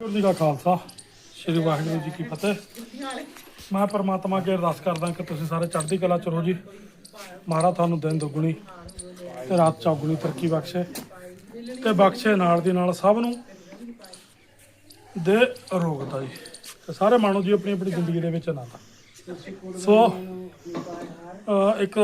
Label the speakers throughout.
Speaker 1: ਜੀ ਦਾ ਖਾਲਸਾ ਸ੍ਰੀ ਵਾਹਿਗੁਰੂ ਜੀ ਕੀ ਫਤਿਹ। ਮੈਂ ਪਰਮਾਤਮਾ ਅੱਗੇ ਅਰਦਾਸ ਕਰਦਾ ਕਿ ਤੁਸੀਂ ਸਾਰੇ ਚੜ੍ਹਦੀ ਕਲਾ ਚ ਰਹੋ ਜੀ। ਮਹਾਰਾਜ ਤੁਹਾਨੂੰ ਦਿਨ ਦੁੱਗਣੀ ਤੇ ਰਾਤ ਚੌਗੁਣੀ ਤਰੱਕੀ ਬਖਸ਼ੇ ਤੇ ਬਖਸ਼ੇ ਨਾਲ ਦੀ ਨਾਲ ਸਭ ਨੂੰ ਦੇ ਅਰੋਗਤਾ ਜੀ। ਤੇ ਸਾਰੇ ਮਾਣੋ ਜੀ ਆਪਣੀ ਆਪਣੀ ਜ਼ਿੰਦਗੀ ਦੇ ਵਿੱਚ ਆਨੰਦ। ਸੋ ਇੱਕ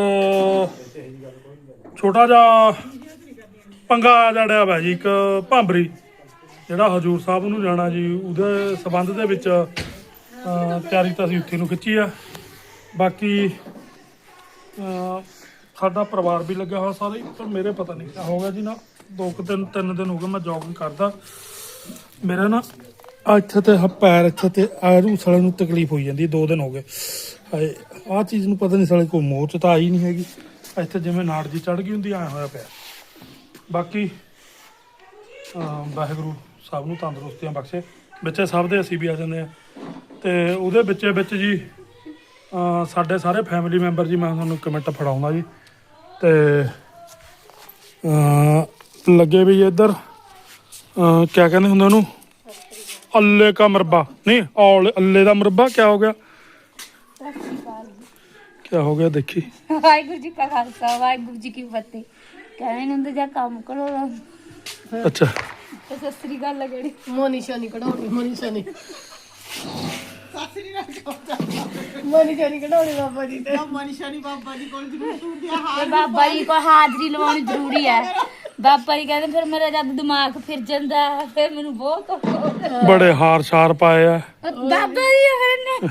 Speaker 1: ਛੋਟਾ ਜਿਹਾ ਪੰਗਾ ਜੜਿਆ ਵਾ ਜੀ, ਇੱਕ ਭਾਂਬਰੀ ਜਿਹੜਾ ਹਜੂਰ ਸਾਹਿਬ ਨੂੰ ਜਾਣਾ ਜੀ, ਉਹਦੇ ਸੰਬੰਧ ਦੇ ਵਿੱਚ ਤਿਆਰੀ ਤਾਂ ਅਸੀਂ ਉੱਥੇ ਨੂੰ ਖਿੱਚੀ ਆ। ਬਾਕੀ ਸਾਡਾ ਪਰਿਵਾਰ ਵੀ ਲੱਗਿਆ ਹੋਇਆ ਸਾਰੇ, ਪਰ ਮੇਰੇ ਪਤਾ ਨਹੀਂ ਕਿਆ ਹੋ ਗਿਆ ਜੀ ਨਾ, 3 ਦਿਨ ਹੋ ਗਏ ਮੈਂ ਜੋਗਿੰਗ ਕਰਦਾ, ਮੇਰਾ ਨਾ ਇੱਥੇ ਤੇ ਪੈਰ ਇੱਥੇ ਤੇ ਆਰੂ ਸਾਲੇ ਨੂੰ ਤਕਲੀਫ ਹੋਈ ਜਾਂਦੀ। 2 ਦਿਨ ਹੋ ਗਏ ਹਾਏ, ਆਹ ਚੀਜ਼ ਨੂੰ ਪਤਾ ਨਹੀਂ ਸਾਲੇ ਕੋਈ ਮੋਚ ਤਾਂ ਆਈ ਨਹੀਂ ਹੈਗੀ, ਇੱਥੇ ਜਿਵੇਂ ਨਾੜ ਜੀ ਚੜ੍ਹ ਗਈ ਹੁੰਦੀ, ਆਇਆ ਹੋਇਆ ਪਿਆ। ਬਾਕੀ ਵਾਹਿਗੁਰੂ ਸਭ ਨੂੰ ਤੰਦਰੁਸਤੀਆਂ ਬਖਸ਼ੇ, ਵਿੱਚ ਸਭ ਦੇ ਅਸੀਂ ਵੀ ਆ ਜਾਂਦੇ ਹਾਂ। ਤੇ ਉਹਦੇ ਵਿੱਚ ਜੀ ਸਾਡੇ ਸਾਰੇ ਫੈਮਿਲੀ ਮੈਂਬਰ ਜੀ, ਮੈਂ ਤੁਹਾਨੂੰ ਕਮੈਂਟ ਫੜਾਉਂਦਾ ਜੀ। ਤੇ ਲੱਗੇ ਵੀ ਇੱਧਰ ਕਿਆ ਕਹਿੰਦੇ ਹੁੰਦੇ ਉਹਨੂੰ, ਅੱਲੇ ਕਾ ਮੁਰੱਬਾ ਨਹੀਂ, ਅੱਲੇ ਦਾ ਮੁਰੱਬਾ। ਕਿਆ ਹੋ ਗਿਆ, ਕਿਆ ਹੋ ਗਿਆ ਦੇਖੀ।
Speaker 2: ਵਾਹਿਗੁਰੂ ਜੀ ਕਾ ਖਾਲਸਾ ਵਾਹਿਗੁਰੂ ਜੀ ਕੀ ਫਤਿਹ। ਕਹਿੰਦੇ ਹੁੰਦੇ ਜਾਂ ਕੰਮ ਕਰੋ।
Speaker 1: ਅੱਛਾ
Speaker 2: ਤੇ ਸਤਿ ਸ੍ਰੀ ਅਕਾਲ ਜਿਹੜੀ
Speaker 3: ਮੋਨੀਸ਼ਾ ਨਹੀਂ ਕਢਾਉਣੀ, ਮੋਨੀਸ਼ਾ ਨਹੀਂ ਕਢਾਉਣੀ ਬਾਬਾ ਜੀ ਤੇ
Speaker 4: ਮਨੀਸ਼ਾ ਨਹੀਂ ਬਾਬਾ ਜੀ ਕੋਲ ਜ਼ਰੂਰ ਹੁੰਦੀ ਆ।
Speaker 2: ਤੇ ਬਾਬਾ ਜੀ ਕੋਲ ਹਾਜ਼ਰੀ ਲਵਾਉਣੀ ਜ਼ਰੂਰੀ ਹੈ। ਬਾਬਾ ਜੀ ਕਹਿੰਦੇ ਫਿਰ ਮੇਰਾ ਜਦ ਦਿਮਾਗ ਫਿਰ ਜਾਂਦਾ ਫਿਰ ਮੈਨੂੰ ਬਹੁਤ ਔਖਾ ਹੁੰਦਾ।
Speaker 1: ਬੜੇ ਹਾਰ ਸ਼ਾਰ ਪਾਏ ਆ
Speaker 2: ਬਾਬਾ ਜੀ ਫਿਰ ਨੇ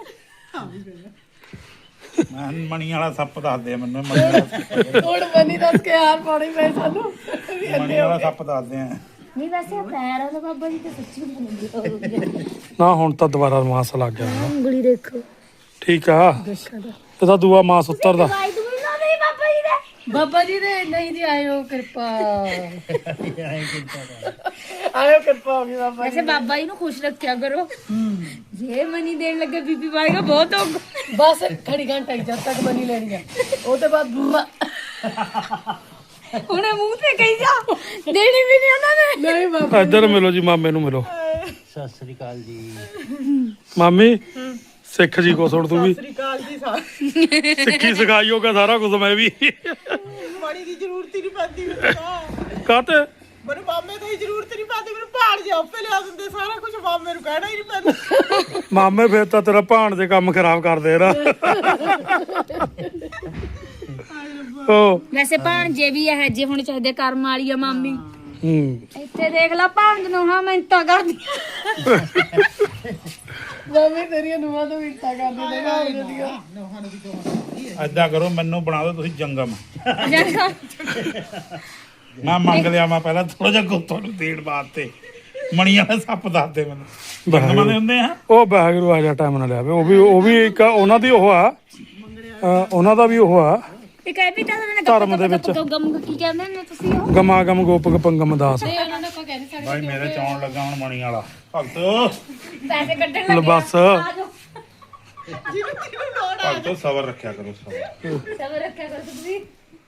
Speaker 5: ਮੈਂ ਮਣੀ ਵਾਲਾ ਸੱਪ ਦੱਸਦੇ ਆ ਮੈਨੂੰ।
Speaker 3: ਹੁਣ ਮਨੀ ਦੱਸ ਕੇ ਹਾਰ ਪਾਉਣੀ ਪਈ ਸਾਨੂੰ।
Speaker 5: ਮਣੀ ਵਾਲਾ ਸੱਪ ਦੱਸਦੇ ਆ।
Speaker 2: ਨਹੀਂ ਵੈਸੇ ਪੈਰ ਆ ਬਾਬਾ ਜੀ ਤੇ ਸੱਚੀ ਬਣਦੀ
Speaker 1: ਨਾ, ਹੁਣ ਤਾਂ ਦੁਬਾਰਾ ਮਾਸ ਲੱਗ ਗਿਆ ਨਾ।
Speaker 2: ਉਂਗਲੀ ਦੇਖੋ
Speaker 1: ਠੀਕ ਆ, ਇਹ ਤਾਂ ਦੂਆ ਮਾਸ ਉਤਰਦਾ।
Speaker 2: ਦਵਾਈ ਦੂਈ ਨਾ ਦੇ ਬਾਬਾ ਜੀ ਦੇ।
Speaker 3: ਬਾਬਾ ਜੀ ਦੇ ਨਹੀਂ ਜੀ, ਆਇਓ ਕਿਰਪਾ ਆਇਓ ਕਿਰਪਾ ਹੋ ਗਈ ਬਾਬਾ
Speaker 2: ਵੈਸੇ ਬਾਬਾ ਜੀ ਨੂੰ ਖੁਸ਼ ਰੱਖਿਆ ਕਰੋ। ਜੇ ਮਨੀ ਦੇਣ ਲੱਗੇ ਬੀਬੀ ਵਾਏਗਾ ਬਹੁਤ ਔਖਾ।
Speaker 3: ਬਸ ਖੜੀ ਘੰਟਾ ਹੀ ਜਦ ਤੱਕ ਮਨੀ ਲੈਣੀ ਆ, ਉਹ ਤੋਂ ਬਾਅਦ
Speaker 2: ਉਹਨੇ ਮੂੰਹ ਤੇ ਕਹੀ ਜਾ, ਦੇਣੀ ਵੀ ਨਹੀਂ ਉਹਨਾਂ ਨੇ।
Speaker 3: ਨਹੀਂ ਬਾਬਾ
Speaker 1: ਇੱਧਰ ਮਿਲੋ ਜੀ, ਮਾਮੇ ਨੂੰ ਮਿਲੋ।
Speaker 6: ਸਤਿ ਸ੍ਰੀ ਅਕਾਲ ਜੀ।
Speaker 1: ਮਾਮੀ ਸਿੱਖ ਜੀ ਕੋ ਸੁਣ ਤੂੰ ਵੀ,
Speaker 4: ਸ੍ਰੀ ਅਕਾਲ ਜੀ ਸਾਹਿਬ।
Speaker 1: ਸਿੱਖੀ ਸਿਖਾਈ ਹੋਗਾ ਸਾਰਾ ਕੁਝ। ਮੈਂ ਵੀ
Speaker 4: ਬੜੀ ਦੀ ਜ਼ਰੂਰਤ ਹੀ ਨਹੀਂ ਪੈਂਦੀ ਮੈਨੂੰ।
Speaker 1: ਕਾਤੇ
Speaker 4: ਮੈਨੂੰ ਮਾਮੇ ਦੀ ਜ਼ਰੂਰਤ ਨਹੀਂ ਪੈਂਦੀ, ਮੈਨੂੰ ਪਹਾੜ ਜਾ ਆਪੇ ਲਿਆ ਦਿੰਦੇ ਸਾਰਾ ਕੁਝ। ਮਾਮੇ ਨੂੰ ਕਹਿਣਾ ਹੀ ਨਹੀਂ ਪੈਂਦਾ।
Speaker 1: ਮਾਮੇ ਫੇਰ ਤਾਂ ਤੇਰਾ ਭਾਣ ਦੇ ਕੰਮ ਖਰਾਬ ਕਰਦੇ ਨਾ। ਉਹ
Speaker 2: ਵੈਸੇ ਭਾਣਜੇ ਵੀ ਇਹ ਜੇ ਹੁਣ ਚਾਹਦੇ ਕਰਮ ਵਾਲੀ ਆ ਮਾਮੀ। ਇੱਥੇ ਦੇਖ ਲਾ ਭਾਣਜ ਨੂੰ ਹਾਂ ਮਿੰਟਾਂ ਕਰਦੀ।
Speaker 3: ਮਾਮੀ ਤੇਰੀਆਂ ਨੂੰਹਾਂ ਤੋਂ ਮਿੰਟਾਂ ਕਰਦੇ ਨੇ ਘਰ ਦੀਆਂ।
Speaker 5: ਏਦਾਂ ਕਰੋ, ਮੈਨੂੰ ਬਣਾ ਦਿਓ ਤੁਸੀਂ ਜੰਗਮ। ਮੈਂ ਮੰਗ ਲਿਆ, ਮੈਂ ਪਹਿਲਾਂ ਥੋੜਾ ਜਿਹਾ ਗੁੱਤੋਂ ਨੂੰ ਦੇਣ ਵਾਸਤੇ। ਮਣੀ ਵਾਲੇ ਸੱਪ ਦੱਸਦੇ ਮੈਨੂੰ। ਜੰਗਮਾਂ ਦੇ ਹੁੰਦੇ ਆ।
Speaker 1: ਉਹ ਵਾਹਿਗੁਰੂ ਆ ਜਾ ਟਾਈਮ ਨਾਲ ਲਿਆਵੇ। ਉਹ ਵੀ ਇੱਕ ਉਹਨਾਂ ਦੀ ਉਹ ਆ, ਉਹਨਾਂ ਦਾ ਵੀ ਉਹ ਆ
Speaker 2: ਇਹ ਕਹਿ ਵੀ ਤਾਂ
Speaker 1: ਧਰਮ ਦੇ ਵਿੱਚ।
Speaker 2: ਗਮ ਕੀ ਕਹਿੰਦੇ ਨੇ ਤੁਸੀਂ ਉਹ
Speaker 1: ਗਮਾ ਗਮ ਗੋਪਕ ਪੰਗਮ ਦਾਸ।
Speaker 3: ਤੇ ਉਹਨਾਂ ਨੇ ਆਪਾਂ ਕਹਿੰਦੇ ਸਾਡੇ
Speaker 5: ਭਾਈ ਮੇਰੇ ਚਾਉਣ ਲੱਗਾ ਹੁਣ ਮਣੀ ਵਾਲਾ ਭਗਤ।
Speaker 2: ਪੈਸੇ ਕੱਢਣ ਲੱਗੇ
Speaker 1: ਬਸ
Speaker 2: ਆ ਜਾਓ।
Speaker 5: ਭਗਤੋ ਸਬਰ ਰੱਖਿਆ ਕਰੋ, ਸਬਰ।
Speaker 2: ਸਬਰ ਰੱਖਿਆ ਕਰੋ ਤੁਸੀਂ।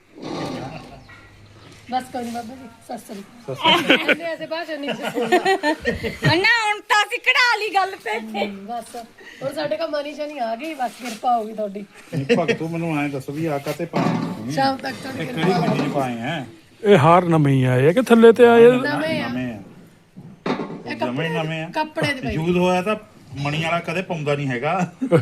Speaker 3: ਬਸ ਕੋਈ ਨਹੀਂ ਬਾਬਾ ਜੀ, ਸਤਿ ਸ੍ਰੀ ਅਕਾਲ। ਐਸੇ ਭਾਸ਼ਾ ਨਹੀਂ ਸੁਣਦਾ।
Speaker 2: ਨਾ ਹੁਣ ਤਾਂ ਅਸੀਂ ਕਢਾ ਲਈ ਗੱਲ ਤੇ।
Speaker 3: ਬਸ ਹੁਣ ਸਾਡੇ ਕੋਲ ਮਨੀਸ਼ਾ ਨਹੀਂ ਆ ਗਈ, ਬਸ ਕਿਰਪਾ ਹੋ ਗਈ ਤੁਹਾਡੀ।
Speaker 5: ਭਗਤੋ ਮੈਨੂੰ ਐਂ ਦੱਸੋ ਵੀ ਆ ਕਾਤੇ ਪਾਏ?
Speaker 3: ਸ਼ਾਮ ਤੱਕ ਤੁਹਾਡੀ
Speaker 5: ਇਹ ਕਿਹੜੀ ਗੱਡੀ 'ਚ ਪਾਏ ਆ?
Speaker 1: ਇਹ ਹਾਰ ਨਵੇਂ ਆਏ ਆ ਕਿ ਥੱਲੇ ਤੇ ਆਏ?
Speaker 3: ਨਵੇਂ ਆ,
Speaker 5: ਨਵੇਂ ਆ, ਜਮੇ ਨਵੇਂ ਆ।
Speaker 3: ਕੱਪੜੇ ਦੇ ਪਏ।
Speaker 5: ਯੂਜ਼ ਹੋਇਆ ਤਾਂ ਮਣੀ ਵਾਲਾ ਕਦੇ ਪਾਉਂਦਾ ਨਹੀਂ ਹੈਗਾ।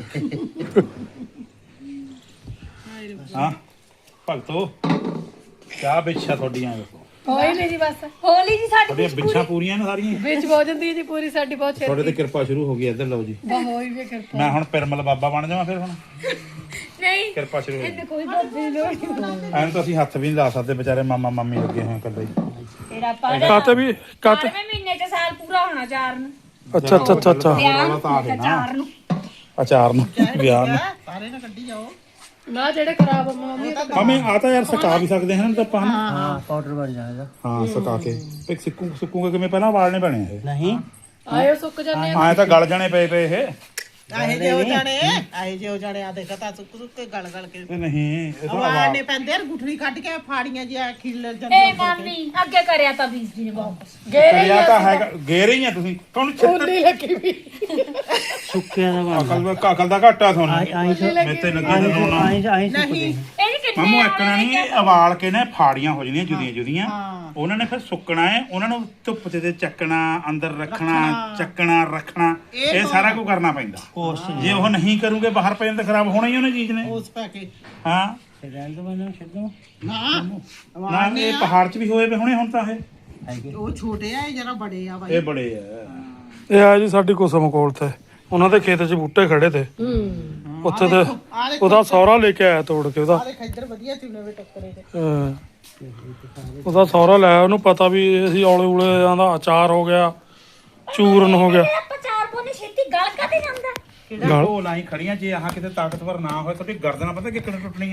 Speaker 5: ਹਾਂ ਭਗਤੋ, ਕਿਆ ਬਿੱਛਾ ਤੁਹਾਡੀਆਂ?
Speaker 3: ਹੋਈ ਨਹੀਂ ਜੀ, ਬਸ
Speaker 2: ਹੋਲੀ ਜੀ ਸਾਡੀ
Speaker 5: ਤੁਹਾਡੀਆਂ ਬਿੱਛਾਂ ਪੂਰੀਆਂ ਨੇ ਸਾਰੀਆਂ।
Speaker 3: ਵਿੱਚ ਹੋ ਜਾਂਦੀ ਹੈ ਜੀ ਪੂਰੀ ਸਾਡੀ, ਬਹੁਤ
Speaker 5: ਤੁਹਾਡੇ
Speaker 3: ਛੇਤੀ।
Speaker 5: ਤੇ ਕਿਰਪਾ ਸ਼ੁਰੂ ਹੋ ਗਈ। ਇੱਧਰ ਲਓ ਜੀ,
Speaker 3: ਬਾ ਹੋਈ ਵੀ ਕਿਰਪਾ।
Speaker 5: ਮੈਂ ਹੁਣ ਪਿਰਮਲ ਬਾਬਾ ਬਣ ਜਾਵਾਂ ਫਿਰ। ਹੁਣ
Speaker 2: ਨਹੀਂ
Speaker 5: ਕਿਰਪਾ ਸ਼ੁਰੂ ਹੋ ਗਈ।
Speaker 2: ਇਹਨੇ ਕੋਈ ਬਾਬੇ ਦੀ ਲੋੜ ਨਹੀਂ।
Speaker 5: ਐਂ ਤਾਂ ਅਸੀਂ ਹੱਥ ਵੀ ਨਹੀਂ ਲਾ ਸਕਦੇ, ਵਿਚਾਰੇ ਮਾਮਾ ਮਾਮੀ ਲੱਗੇ ਹੋਏ ਇਕੱਲੇ ਹੀ।
Speaker 2: ਤੇਰਾ ਪਰ
Speaker 1: ਕਾਤੇ ਵੀ ਕਾਤੇ।
Speaker 2: 4ਵੇਂ ਮਹੀਨੇ ਚ ਸਾਲ ਪੂਰਾ ਹੋਣਾ 4 ਨੂੰ।
Speaker 1: ਅੱਛਾ ਅੱਛਾ ਅੱਛਾ ਅੱਛਾ।
Speaker 2: ਵਿਆਹ ਨੂੰ
Speaker 5: ਤਾਂ ਆ ਗਏ ਨਾ।
Speaker 2: 4 ਨੂੰ।
Speaker 5: ਅਚਾਰ ਨੂੰ ਵਿਆਹ ਨੂੰ।
Speaker 4: ਸਾਰੇ ਨਾ ਕੱਢੀ ਜਾਓ।
Speaker 3: ਨਾ ਜਿਹੜੇ ਖਰਾਬ ਆ ਮੰਮੀ ਤਾਂ
Speaker 5: ਮਾਮੇ ਆ ਤਾਂ ਯਾਰ ਸੁਕਾ ਵੀ ਸਕਦੇ ਹਨ ਤਾਂ ਆਪਾਂ।
Speaker 6: ਹਾਂ ਪਾਊਡਰ ਬਣ ਜਾਏਗਾ।
Speaker 5: ਹਾਂ ਸੁਕਾ ਕੇ ਇੱਕ ਸੁੱਕੂਗੇ ਕਿਵੇਂ? ਪਹਿਲਾਂ ਵਾਲਣੇ ਪੈਣੇ ਇਹ।
Speaker 6: ਨਹੀਂ
Speaker 3: ਆਇਓ ਸੁੱਕ ਜਾਂਦੇ ਆ।
Speaker 5: ਐਂ ਤਾਂ ਗਲ ਜਾਣੇ ਪਏ ਇਹ।
Speaker 4: ਆਹੇ ਜੇ ਹੋ ਜਾਣੇ ਆ ਦੇਖਾ ਤਾਂ ਸੁੱਕ ਸੁੱਕ ਕੇ ਗਲ ਗਲ ਕੇ
Speaker 5: ਤੇ ਨਹੀਂ ਇਹ ਤਾਂ
Speaker 4: ਆਵਾਜ਼ ਨੇ ਪੈਂਦੇ ਯਾਰ ਗੁਠਲੀ ਕੱਢ ਕੇ ਫਾੜੀਆਂ ਜਿਹਾ ਖਿੱਲ
Speaker 2: ਏ
Speaker 4: ਜਾਂਦੀਆਂ
Speaker 2: ਮਾਮੀ ਅੱਗੇ ਕਰਿਆ ਤਾਂ ਵੀਰ ਜੀ ਨੇ ਵਾਪਸ
Speaker 5: ਕਰਿਆ ਤਾਂ ਹੈਗਾ ਗੇਰੇ ਹੀ ਆ ਤੁਸੀਂ ਤੁਹਾਨੂੰ ਛਿੱਤਰ
Speaker 3: ਨਹੀਂ ਲੱਗੀ ਵੀ
Speaker 6: ਸੁੱਕਿਆ ਦਾ
Speaker 5: ਅਕਲ ਦਾ ਘਾਟਾ ਤੁਹਾਨੂੰ
Speaker 6: ਆਈ
Speaker 5: ਮੇਤੇ ਲੱਗੇ ਨੇ ਹੋਣਾ
Speaker 4: ਨਹੀਂ
Speaker 2: ਇਹਦੀ ਕਿੰਨੇ
Speaker 5: ਮਾਮੂ ਇੱਕਣਾ ਨਹੀਂ ਉਬਾਲ ਕੇ ਨਾ ਫਾੜੀਆਂ ਹੋ ਜਾਂਦੀਆਂ ਜੁਦੀਆਂ ਜੁਦੀਆਂ ਉਹਨਾਂ ਨੇ ਫਿਰ ਸੁੱਕਣਾ ਹੈ ਉਹਨਾਂ ਨੂੰ ਧੁੱਪ ਤੇ ਚੱਕਣਾ ਅੰਦਰ ਰੱਖਣਾ ਚੱਕਣਾ ਰੱਖਣਾ ਇਹ ਸਾਰਾ ਕੁਝ ਕਰਨਾ ਪੈਂਦਾ ਜੇ ਉਹ ਨਹੀਂ ਕਰੂਗੇ ਬਾਹਰ ਪੈ ਜਾਂਦੇ ਖਰਾਬ ਹੋਣਾ ਹੀ ਉਹਨੇ ਚੀਜ਼ ਨੇ
Speaker 4: ਉਸ ਪਾ ਕੇ
Speaker 5: ਹਾਂ
Speaker 6: ਰਹਿਣ ਦੋ ਮੈਨੂੰ ਛੱਡੋ
Speaker 4: ਨਾ
Speaker 5: ਨਾ ਇਹ ਪਹਾੜ 'ਚ ਵੀ ਹੋਏ ਵੇ ਹੁਣੇ ਹੁਣ ਤਾਂ
Speaker 4: ਉਹ ਛੋਟੇ ਆ ਇਹ ਜਰਾ ਬੜੇ ਆ ਬਾਈ
Speaker 5: ਇਹ ਬੜੇ ਆ
Speaker 1: ਇਹ ਆ ਜੀ ਸਾਡੀ ਕੁਸਮ ਕੋਲ ਤੇ ਉਹਨਾਂ ਦੇ ਖੇਤ 'ਚ ਬੂਟੇ ਖੜੇ ਤੇ ਉੱਥੇ ਤੇ ਉਹਦਾ ਸਹੁਰਾ ਲੈ ਕੇ ਆਇਆ ਤੋੜ ਕੇ ਉਹਦਾ
Speaker 4: ਆਲੇ ਖੱਦਰ ਵਧੀਆ ਚੁਣੇ ਵੇ ਟੱਕਰੇ ਤੇ
Speaker 1: ਹਾਂ। ਉਹਦਾ ਸਹੁਰਾ ਲੈ ਆਇਆ, ਉਹਨੂੰ ਪਤਾ ਵੀ ਅਸੀਂ ਔਲੇ ਉਲੇ ਦਾ ਅਚਾਰ ਹੋ ਗਿਆ ਚੂਰਨ ਹੋ ਗਿਆ
Speaker 2: ਆਪਾਂ ਚਾਰ ਪੋਨੇ ਛੇਤੀ ਗਲ ਕਾਤੇ ਜਾਂਦਾ
Speaker 5: ਕਿਹੜਾ ਢੋਲ ਆਈ ਖੜੀਆਂ ਜੇ ਆਹ ਕਿਤੇ ਤਾਕਤਵਰ ਨਾ ਹੋਏ ਤੁਹਾਡੀ ਗਰਦਨ ਪਤਾ ਕਿੱਕਣ ਟੁੱਟਣੀ ਆ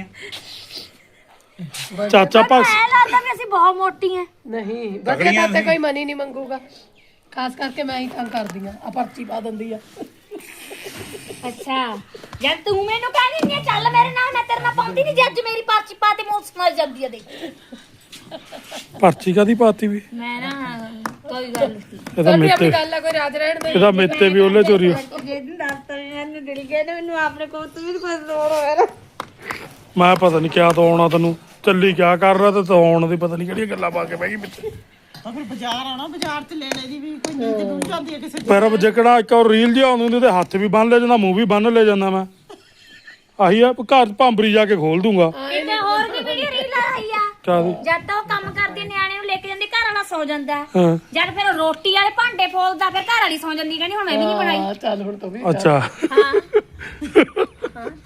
Speaker 1: ਚਾਚਾ ਭਗਤ
Speaker 2: ਐ ਲੱਗਦਾ ਵੀ ਅਸੀਂ ਬਹੁਤ ਮੋਟੀਆਂ
Speaker 3: ਨਹੀਂ ਬੱਚੇ ਪਾਸੇ ਕੋਈ ਮਨੀ ਨਹੀਂ ਮੰਗੂਗਾ ਖਾਸ ਕਰਕੇ ਮੈਂ ਹੀ ਕੰਮ ਕਰਦੀ ਆ ਪਰਚੀ ਪਾ ਦਿੰਦੀ ਆ
Speaker 2: ਅੱਛਾ ਜਦ ਤੂੰ ਮੈਨੂੰ ਕਹਿੰਦੀ ਨਹੀਂ ਚੱਲ ਮੇਰੇ ਨਾਲ ਮੈਂ ਤੇਰੇ ਨਾਲ ਪਾਉਂਦੀ ਨਹੀਂ ਜੱਜ ਮੇਰੀ ਪਰਚੀ ਪਾ ਤੇ ਮੂੰਹ ਸਮਝ ਜਾਂਦੀ ਆ ਦੇਖ
Speaker 1: ਪਰਚੀ ਕਾਦੀ ਪਾਤੀ ਵੀ
Speaker 2: ਮੈਂ ਨਾ ਕੋਈ ਗੱਲ ਨਹੀਂ
Speaker 1: ਇਹਦਾ
Speaker 3: ਆਪਣੀ
Speaker 1: ਮੇਤੇ
Speaker 3: ਗੱਲ ਆ ਕੋਈ ਰਾਜ ਰਹਿਣ ਦੇ
Speaker 1: ਇਹਦਾ ਮੇਤੇ ਵੀ ਉਹਲੇ ਚੋਰੀ
Speaker 2: ਜਿਹਨੂੰ ਦੱਸਤਾ ਮੈਨੂੰ ਦਿਲ ਗਿਆ ਨਾ ਮੈਨੂੰ ਆਪਣੇ ਕੋਲ ਤੂੰ ਵੀ ਕੋਈ ਰੋੜ ਹੋਇਆ
Speaker 1: ਮੈਂ ਪਤਾ ਨਹੀਂ ਕਿਆ ਤੋਂ ਆਉਣਾ ਤੈਨੂੰ ਚੱਲੀ ਕਿਆ ਕਰ ਰਿਹਾ ਤੇ ਤੂੰ ਆਉਣ ਦੀ ਪਤਾ ਨਹੀਂ ਕਿਹੜੀਆਂ ਗੱਲਾਂ ਪਾ ਕੇ ਬਹਿ ਗਈ ਵਿੱਚ
Speaker 4: ਤਾਂ ਫਿਰ ਬਾਜ਼ਾਰ ਆਣਾ ਬਾਜ਼ਾਰ ਚ ਲੈ ਲੈ ਜੀ ਵੀ ਕੋਈ ਨੀਂਦ ਡੁੱਲ ਜਾਂਦੀ ਹੈ ਕਿਸੇ ਦੀ
Speaker 1: ਪਰ ਜਿਕੜਾ ਇੱਕ ਉਹ ਰੀਲ ਜਿਹਾ ਆਉਂਦੀ ਹੁੰਦੀ ਤੇ ਹੱਥ ਵੀ ਬੰਨ ਲੈ ਜਾਂਦਾ ਮੂੰਹ ਵੀ ਬੰਨ ਲੈ ਜਾਂਦਾ ਮੈਂ ਆਹੀ ਆ ਘਰ ਭਾਂਬਰੀ ਜਾ ਕੇ ਖੋਲ ਦੂੰਗਾ
Speaker 2: ਕਿਤੇ ਹੋਰ ਵੀ ਵੀਡੀਓ ਰੀਲ ਆਈ ਆ
Speaker 1: ਕਾਹਦੀ
Speaker 2: ਜਦ ਤਾਂ ਉਹ ਕੰਮ ਕਰਦੀ ਨਿਆਣੇ ਨੂੰ ਲੈ ਕੇ ਜਾਂਦੀ ਘਰ ਵਾਲਾ ਸੌ ਜਾਂਦਾ
Speaker 1: ਹਾਂ
Speaker 2: ਜਦ ਫਿਰ ਉਹ ਰੋਟੀ ਵਾਲੇ ਭਾਂਡੇ ਫੋਲਦਾ ਫਿਰ ਘਰ ਵਾਲੀ ਸੌ ਜਾਂਦੀ ਕਹਿੰਦੀ ਹੁਣ ਮੈਂ ਵੀ ਨਹੀਂ ਬਣਾਈ
Speaker 3: ਹਾਂ ਚੱਲ ਹੁਣ ਤੂੰ ਵੀ
Speaker 1: ਅੱਛਾ
Speaker 2: ਹਾਂ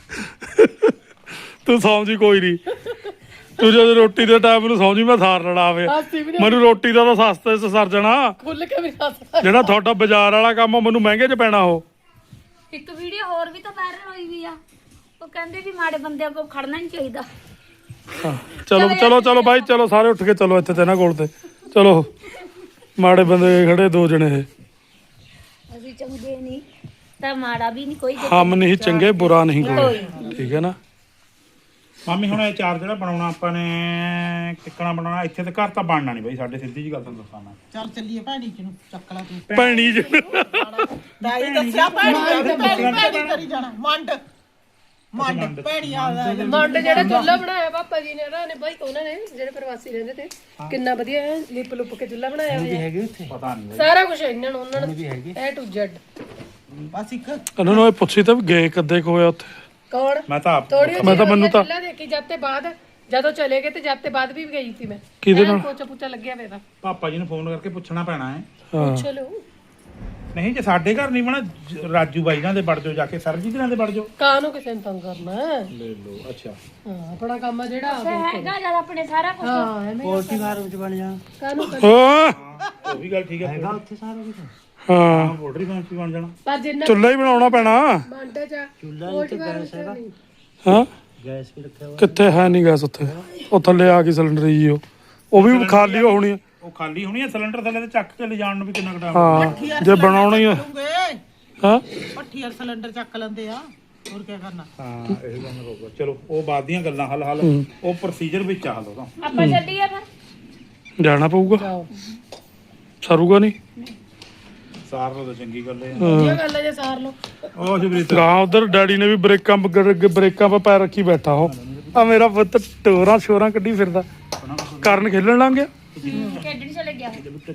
Speaker 1: ਤੂੰ ਸਮਝੀ ਕੋਈ ਨਹੀਂ ਤੂੰ ਜਦੋਂ ਰੋਟੀ ਦੇ ਟਾਈਮ ਨੂੰ ਸਮਝੀ ਮੈਂ ਥਾਰ ਲੜਾਵੇ
Speaker 3: ਹੱਸਦੀ ਵੀ ਨਹੀਂ
Speaker 1: ਮੈਨੂੰ ਰੋਟੀ ਦਾ ਤਾਂ ਸਸਤੇ ਚ ਸਰ ਜਾਣਾ
Speaker 3: ਖੁੱਲ ਕੇ ਵੀ ਹੱਸ
Speaker 1: ਜਿਹੜਾ ਤੁਹਾਡਾ ਬਾਜ਼ਾਰ ਵਾਲਾ ਕੰਮ ਆ ਮੈਨੂੰ ਮਹਿੰਗੇ ਚ ਪੈਣਾ ਉਹ
Speaker 2: ਇੱਕ ਵੀਡੀਓ ਹੋਰ ਵੀ ਤਾਂ ਵਾਇਰਲ ਹੋਈ ਵੀ ਆ ਉਹ ਕਹਿੰਦੇ ਵੀ ਮਾੜੇ ਬੰਦਿਆਂ ਕੋਲ ਖੜਨਾ ਨਹੀਂ ਚਾਹੀਦਾ
Speaker 1: ਹਾਂ, ਚਲੋ ਚਲੋ ਚਲੋ ਬਾਈ ਚਲੋ ਸਾਰੇ ਉੱਠ ਕੇ ਚਲੋ ਇੱਥੇ ਤੇ ਨਾ ਕੋਲ ਤੇ ਚਲੋ ਮਾੜੇ ਬੰਦੇ ਖੜੇ ਦੋ ਜਣੇ ਇਹ
Speaker 2: ਅਸੀਂ ਚੰਗੇ ਨਹੀਂ ਤਾਂ ਮਾੜਾ ਵੀ ਨਹੀਂ ਕੋਈ
Speaker 1: ਹਮ ਨਹੀਂ ਚੰਗੇ ਬੁਰਾ ਨਹੀਂ ਕੋਈ ਠੀਕ ਹੈ ਨਾ
Speaker 5: ਮਾਮੀ ਹੁਣ ਇਹ ਚਾਰ ਜਿਹੜਾ ਬਣਾਉਣਾ ਆਪਾਂ ਨੇ ਕਿੱਕਣਾ ਬਣਾਉਣਾ ਇੱਥੇ ਤੇ ਘਰ ਤਾਂ ਬਣਨਾ ਨਹੀਂ ਬਈ ਸਾਡੇ ਸਿੱਧੀ ਜੀ ਗੱਲ ਤੁਹਾਨੂੰ ਦੱਸਾਂ ਮੈਂ
Speaker 4: ਚੱਲ ਚੱਲੀਏ ਭੈਣੀ ਚ ਨੂੰ ਚੱਕ ਲਾ ਤੂੰ
Speaker 1: ਭੈਣੀ ਜੀ
Speaker 4: ਦਾਈ ਦੱਸਿਆ ਭੈਣੀ ਕਰੀ ਜਾਣਾ ਮੰਡ ਭੈਣੀ ਆ
Speaker 3: ਮੰਡ ਜਿਹੜਾ ਚੁੱਲ੍ਹਾ ਬਣਾਇਆ ਪਾਪਾ ਜੀ ਨੇ ਉਹਨਾਂ ਨੇ ਜਿਹੜੇ ਪ੍ਰਵਾਸੀ ਰਹਿੰਦੇ ਤੇ ਕਿੰਨਾ ਵਧੀਆ ਲਿਪ ਲੁਪ ਕੇ ਚੁੱਲ੍ਹਾ ਬਣਾਇਆ ਹੋਇਆ
Speaker 6: ਹੈਗੀ ਉੱਥੇ
Speaker 5: ਪਤਾ ਨਹੀਂ
Speaker 3: ਸਾਰਾ ਕੁਝ ਇਹਨਾਂ ਨੂੰ ਉਹਨਾਂ ਨੂੰ A to Z
Speaker 4: ਬਸ ਇੱਕ
Speaker 1: ਇਹਨਾਂ ਨੂੰ ਇਹ ਪੁੱਛੀ ਤਾਂ ਵੀ ਗਏ ਕਦੇ ਕੋ ਹੋਇਆ ਉੱਥੇ
Speaker 3: ਕੌਣ
Speaker 5: ਮੈਂ ਤਾਂ ਆਪ
Speaker 3: ਥੋੜੀ
Speaker 1: ਮੈਂ ਤਾਂ ਮੈਨੂੰ ਤਾਂ
Speaker 3: ਚੁੱਲ੍ਹਾ ਦੇਖੀ ਜਦ ਤੇ ਬਾਅਦ ਜਦੋਂ ਚਲੇ ਗਏ ਤੇ ਜਦ ਤੇ ਬਾਅਦ ਵੀ ਗਈ ਸੀ ਮੈਂ
Speaker 1: ਕਿਹਦੇ ਨਾਲ
Speaker 3: ਪੋਚਾ ਪੁੱਚਾ ਲੱਗਿਆ ਹੋਇਆ ਤਾਂ
Speaker 5: ਪਾਪਾ ਜੀ ਨੂੰ ਫੋਨ ਕਰਕੇ ਪੁੱਛਣਾ ਪੈਣਾ ਹੈ
Speaker 1: ਹਾਂ
Speaker 3: ਪੁੱਛ ਲਓ
Speaker 5: ਨਹੀਂ ਜੇ ਸਾਡੇ ਘਰ ਨਹੀਂ ਬਣਾ ਰਾਜੂ ਬਾਈ ਨਾਲ ਦੇ ਵੜ ਜਾਓ ਜਾ ਕੇ ਸਰਜੀਤ ਨਾਲ ਦੇ ਵੜ ਜਾਓ
Speaker 3: ਕਾਹਨੂੰ ਕਿਸੇ ਨੂੰ ਤੰਗ ਕਰਨਾ ਹੈ?
Speaker 5: ਲੈ ਲਓ ਅੱਛਾ
Speaker 3: ਹਾਂ ਆਪਣਾ ਕੰਮ ਆ ਜਿਹੜਾ
Speaker 2: ਹੈਗਾ ਜਦ ਆਪਣੇ ਸਾਰਾ ਕੁਝ
Speaker 3: ਹਾਂ ਐਵੇਂ
Speaker 6: ਪੋਲਟਰੀ ਫਾਰਮ ਚ ਬਣ ਜਾ
Speaker 3: ਕਾਹਨੂੰ
Speaker 1: ਹਾਂ
Speaker 5: ਉਹ ਵੀ ਗੱਲ ਠੀਕ ਹੈ
Speaker 6: ਹੈਗਾ ਉੱਥੇ ਸਾਰਾ ਕੁਝ
Speaker 1: ਹਾਂ
Speaker 5: ਪੋਲਟਰੀ ਫਾਰਮ ਚ ਬਣ ਜਾਣਾ
Speaker 3: ਪਰ ਜਿੰਨਾ
Speaker 1: ਚੁੱਲ੍ਹਾ ਹੀ ਬਣਾਉਣਾ ਪੈਣਾ
Speaker 3: ਮੰਡ ਚ
Speaker 6: ਚੁੱਲ੍ਹਾ ਇੱਥੇ ਗੈਸ ਹੈਗਾ
Speaker 1: ਹਾਂ
Speaker 6: ਗੈਸ ਵੀ ਰੱਖਿਆ ਹੋਇਆ
Speaker 1: ਕਿੱਥੇ ਹੈ ਨਹੀਂ ਗੈਸ ਉੱਥੇ ਉਹ ਥੱਲੇ ਆ ਗਈ ਸਿਲੰਡਰ ਜੀ ਉਹ ਵੀ ਖਾਲੀ ਹੋਣੀ ਆ
Speaker 5: ਉਹ ਖਾਲੀ ਹੋਣੀ ਹੈ ਸਿਲੰਡਰ ਥੱਲੇ ਤੇ ਚੱਕ ਕੇ ਲਿਜਾਣ ਨੂੰ ਵੀ ਕਿੰਨਾ ਘਟਾ
Speaker 1: ਹਾਂ ਜੇ ਬਣਾਉਣਾ ਹੀ ਆ ਹਾਂ
Speaker 4: ਪੱਠੀ ਵਾਲਾ ਸਿਲੰਡਰ ਚੱਕ ਲੈਂਦੇ ਆ ਹੋਰ ਕੀ ਕਰਨਾ
Speaker 5: ਹਾਂ ਇਹ ਗੱਲ ਹੋਊਗਾ ਚਲੋ ਉਹ ਬਾਅਦ ਦੀਆਂ ਗੱਲਾਂ ਹਲ ਉਹ ਪ੍ਰੋਸੀਜਰ ਵਿੱਚ ਆ ਹਲ ਉਹਦਾ
Speaker 2: ਆਪਾਂ ਚੱਲੀਏ ਫਿਰ
Speaker 1: ਜਾਣਾ ਪਊਗਾ ਸਰੂਗਾ ਨਹੀਂ
Speaker 5: ਸਾਰ ਲੋ ਤਾਂ ਚੰਗੀ ਗੱਲ ਹੈ
Speaker 3: ਇਹ ਗੱਲ ਹੈ ਜੇ ਸਾਰ ਲਓ
Speaker 5: ਉਹ ਜਬਰੀਤ
Speaker 1: ਗਾਂ ਉਧਰ ਡੈਡੀ ਨੇ ਵੀ ਬ੍ਰੇਕਾਂ 'ਤੇ ਪੈਰ ਰੱਖੀ ਬੈਠਾ ਉਹ ਆ ਮੇਰਾ ਪੁੱਤ ਟੋਰਾਂ ਸ਼ੋਰਾਂ ਕੱਢੀ ਫਿਰਦਾ ਕਰਨ ਖੇਲਣ ਲੰਘ ਗਿਆ
Speaker 2: ਖੇਡਣ ਚਲੇ ਗਿਆ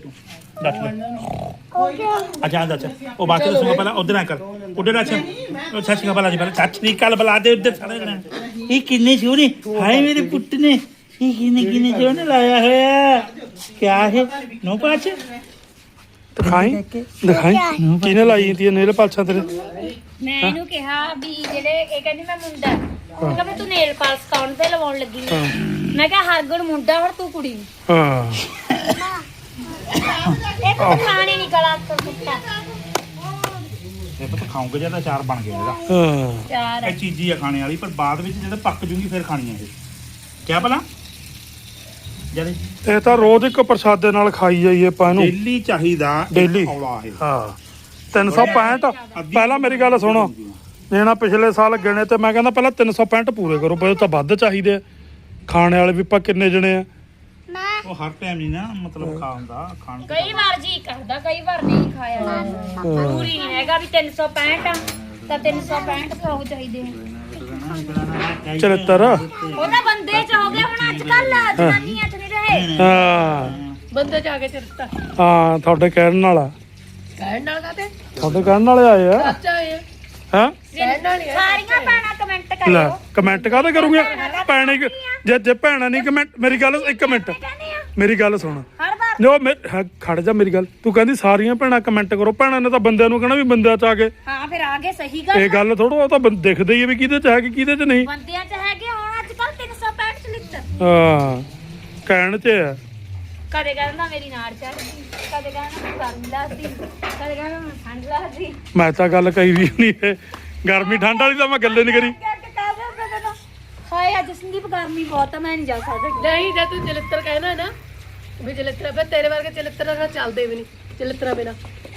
Speaker 5: ਅੱਛਾ ਅੱਛਾ ਉਹ ਬਾਕੀ ਦੱਸੂਗਾ ਪਹਿਲਾਂ ਉਧਰ ਆ ਕਰ ਉਧਰ ਅੱਛਾ ਉਹ ਸੱਚੀ ਗੱਲ ਜੀ ਪਹਿਲਾਂ ਸੱਚੀ ਗੱਲ ਬੁਲਾ ਦੇ ਉਧਰ ਸਾਰੇ ਜਣੇ ਇਹ ਕਿੰਨੇ ਸੋਹਣੇ ਹਾਏ ਮੇਰੇ ਪੁੱਤ ਨੇ ਇਹ ਕਿੰਨੇ ਸੋਹਣੇ ਲਾਇਆ ਹੋਇਆ ਕਿਆ ਹੈ ਨੋ ਪਾਚ
Speaker 1: ਦਿਖਾਈ ਕਿਹਨੇ ਲਾਈ ਤੀ ਨੇਲ ਪਾਲਛਾਂ ਤੇਰੇ
Speaker 2: ਮੈਂ ਇਹਨੂੰ ਕਿਹਾ ਵੀ ਜਿਹੜੇ ਇਹ ਕਹਿੰਦੀ ਮੈਂ ਮੁੰਡਾ ਮੈਂ ਕਿਹਾ ਵੀ ਤੂੰ ਨੇਲ ਪਾਲਸ ਕੌਣ ਤੇ ਲਵਾਉਣ ਲੱਗੀ ਆਂ? ਮੈਂ ਕਿਹਾ ਹਰਗੁਣ ਮੁੰਡਾ ਹੁਣ ਤੂੰ ਕੁੜੀ
Speaker 1: ਹਾਂ
Speaker 2: ਇਹ ਤਾਂ ਖਾਣੇ ਨਹੀਂ ਗਲਾ ਤੋਂ ਕੁੱਤਾ
Speaker 5: ਇਹ ਪਤਾ ਖਾਉਂਗੇ ਜਦ ਅਚਾਰ ਬਣ ਗਿਆ ਇਹਦਾ
Speaker 1: ਹਾਂ
Speaker 2: ਚਾਰ
Speaker 5: ਇਹ ਚੀਜ਼ੀ ਆ ਖਾਣੇ ਵਾਲੀ ਪਰ ਬਾਅਦ ਵਿੱਚ ਜਦੋਂ ਪੱਕ ਜੂਗੀ ਫਿਰ ਖਾਣੀ ਹੈ ਇਹ ਕਿਆ ਭਲਾ ਜਦ
Speaker 1: ਇਹ ਤਾਂ ਰੋਜ਼ ਇੱਕ ਪ੍ਰਸ਼ਾਦੇ ਨਾਲ ਖਾਈ ਜਾਈਏ ਆਪਾਂ ਇਹਨੂੰ
Speaker 5: ਡੇਲੀ ਚਾਹੀਦਾ
Speaker 1: ਡੇਲੀ
Speaker 5: ਔਲਾ ਇਹ
Speaker 1: ਹਾਂ 365 ਪਹਿਲਾਂ ਮੇਰੀ ਗੱਲ ਸੁਣੋ ਜੇ ਨਾ ਪਿਛਲੇ ਸਾਲ ਗਿਣੇ ਤੇ ਮੈਂ ਕਹਿੰਦਾ ਪਹਿਲਾਂ 365 ਪੂਰੇ ਕਰੋ, ਫਿਰ ਤਾਂ ਵੱਧ ਚਾਹੀਦੇ ਆ। ਖਾਣੇ ਵਾਲੇ ਵੀ ਆਪਾਂ ਕਿੰਨੇ ਜਣੇ ਆ?
Speaker 5: ਉਹ ਹਰ ਟਾਈਮ ਨਹੀਂ ਨਾ ਮਤਲਬ ਖਾਂਦਾ ਖਾਣ
Speaker 2: ਕਈ ਵਾਰ ਜੀ ਕਰਦਾ, ਕਈ ਵਾਰ ਨਹੀਂ ਖਾਇਆ ਜਾਂਦਾ। ਜ਼ਰੂਰੀ ਨਹੀਂ ਹੈਗਾ ਵੀ 365 ਆ ਤਾਂ 365 ਖਾਓ ਚਾਹੀਦੇ ਆ।
Speaker 1: 74
Speaker 2: ਉਹ ਤਾਂ ਬੰਦੇ ਚ ਹੋ ਗਿਆ ਹੁਣ ਅੱਜ ਕੱਲ, ਜਨਾਨੀਆਂ ਚ ਨਹੀਂ ਰਹੇ।
Speaker 1: ਹਾਂ
Speaker 3: ਬੰਦੇ ਜਾ ਕੇ ਚਿਰਤਾ
Speaker 1: ਹਾਂ ਤੁਹਾਡੇ ਕਹਿਣ ਵਾਲਾ,
Speaker 3: ਕਹਿਣ ਨਾਲ ਕਾਤੇ
Speaker 1: ਤੁਹਾਡੇ ਕਹਿਣ ਵਾਲੇ ਆਏ ਆ।
Speaker 3: ਚਾਚਾ ਆਏ
Speaker 1: ਹਾਂ
Speaker 3: ਕਹਿਣ ਨਾਲ ਹੀ ਆ।
Speaker 2: ਸਾਰੀਆਂ ਭੈਣਾਂ ਕਮੈਂਟ
Speaker 1: ਲੈ
Speaker 2: ਕਰਿਓ।
Speaker 1: ਕਮੈਂਟ ਕਾਹਦੇ ਕਰੂਗੇ? ਭੈਣੇ ਜੇ ਭੈਣਾਂ ਨਹੀਂ ਕਮੈਂਟ, ਮੇਰੀ ਗੱਲ ਇੱਕ ਮਿੰਟ, ਮੇਰੀ ਗੱਲ ਸੁਣ।
Speaker 2: ਹਰ ਵਾਰ
Speaker 1: ਜੋ ਖੜ ਜਾ ਮੇਰੀ ਗੱਲ, ਤੂੰ ਕਹਿੰਦੀ ਸਾਰੀਆਂ ਭੈਣਾਂ ਕਮੈਂਟ ਕਰੋ, ਭੈਣਾਂ ਨੇ ਤਾਂ ਬੰਦਿਆਂ ਨੂੰ ਕਹਿਣਾ ਵੀ ਬੰਦਿਆਂ ਚ ਆ ਕੇ।
Speaker 2: ਹਾਂ ਫਿਰ ਆ ਗਏ, ਸਹੀ ਗੱਲ
Speaker 1: ਇਹ ਗੱਲ ਥੋੜਾ, ਉਹ ਤਾਂ ਦਿਖਦਾ ਹੀ ਹੈ ਵੀ ਕਿਹਦੇ ਚ ਹੈ ਕਿ ਕਿਹਦੇ ਚ ਨਹੀਂ।
Speaker 2: ਬੰਦਿਆਂ ਚ ਹੈਗੇ ਹੁਣ ਅੱਜ ਕੱਲ 365 ਚ ਲਿੱਤ।
Speaker 1: ਹਾਂ ਕਹਿਣ ਚ ਹੈ।
Speaker 2: ਕਦੇ ਕਹਿੰਦਾ ਮੇਰੀ ਨਾੜ ਚੜ ਗਈ, ਕਦੇ ਕਹਿੰਦਾ ਮੈਂ ਗਰਮੀ ਲੱਗਦੀ, ਕਦੇ ਕਹਿੰਦਾ ਮੈਂ ਠੰਡ ਲੱਗਦੀ।
Speaker 1: ਮੈਂ ਤਾਂ ਗੱਲ ਕਹੀ ਵੀ ਨਹੀਂ ਹੈ, ਗਰਮੀ ਠੰਡ ਵਾਲੀ ਤਾਂ ਮੈਂ ਗੱਲੇ ਨਹੀਂ ਕਰੀ।
Speaker 2: ਹਾਏ ਅੱਜ ਸੰਦੀਪ ਗਰਮੀ ਬਹੁਤ ਆ, ਮੈਂ ਨਹੀਂ ਜਾ ਸਕਦਾ।
Speaker 3: ਨਹੀਂ ਜੇ ਤੂੰ ਚਲਿੱਤਰ ਕਹਿਣਾ ਨਾ ਵੀ ਚਲਿੱਤਰ, ਫਿਰ ਤੇਰੇ ਵਰਗੇ ਚਲਿੱਤਰ ਨਾਲ ਚੱਲਦੇ ਵੀ ਨਹੀਂ, ਚਲਿੱਤਰਾਂ ਬਿਨਾ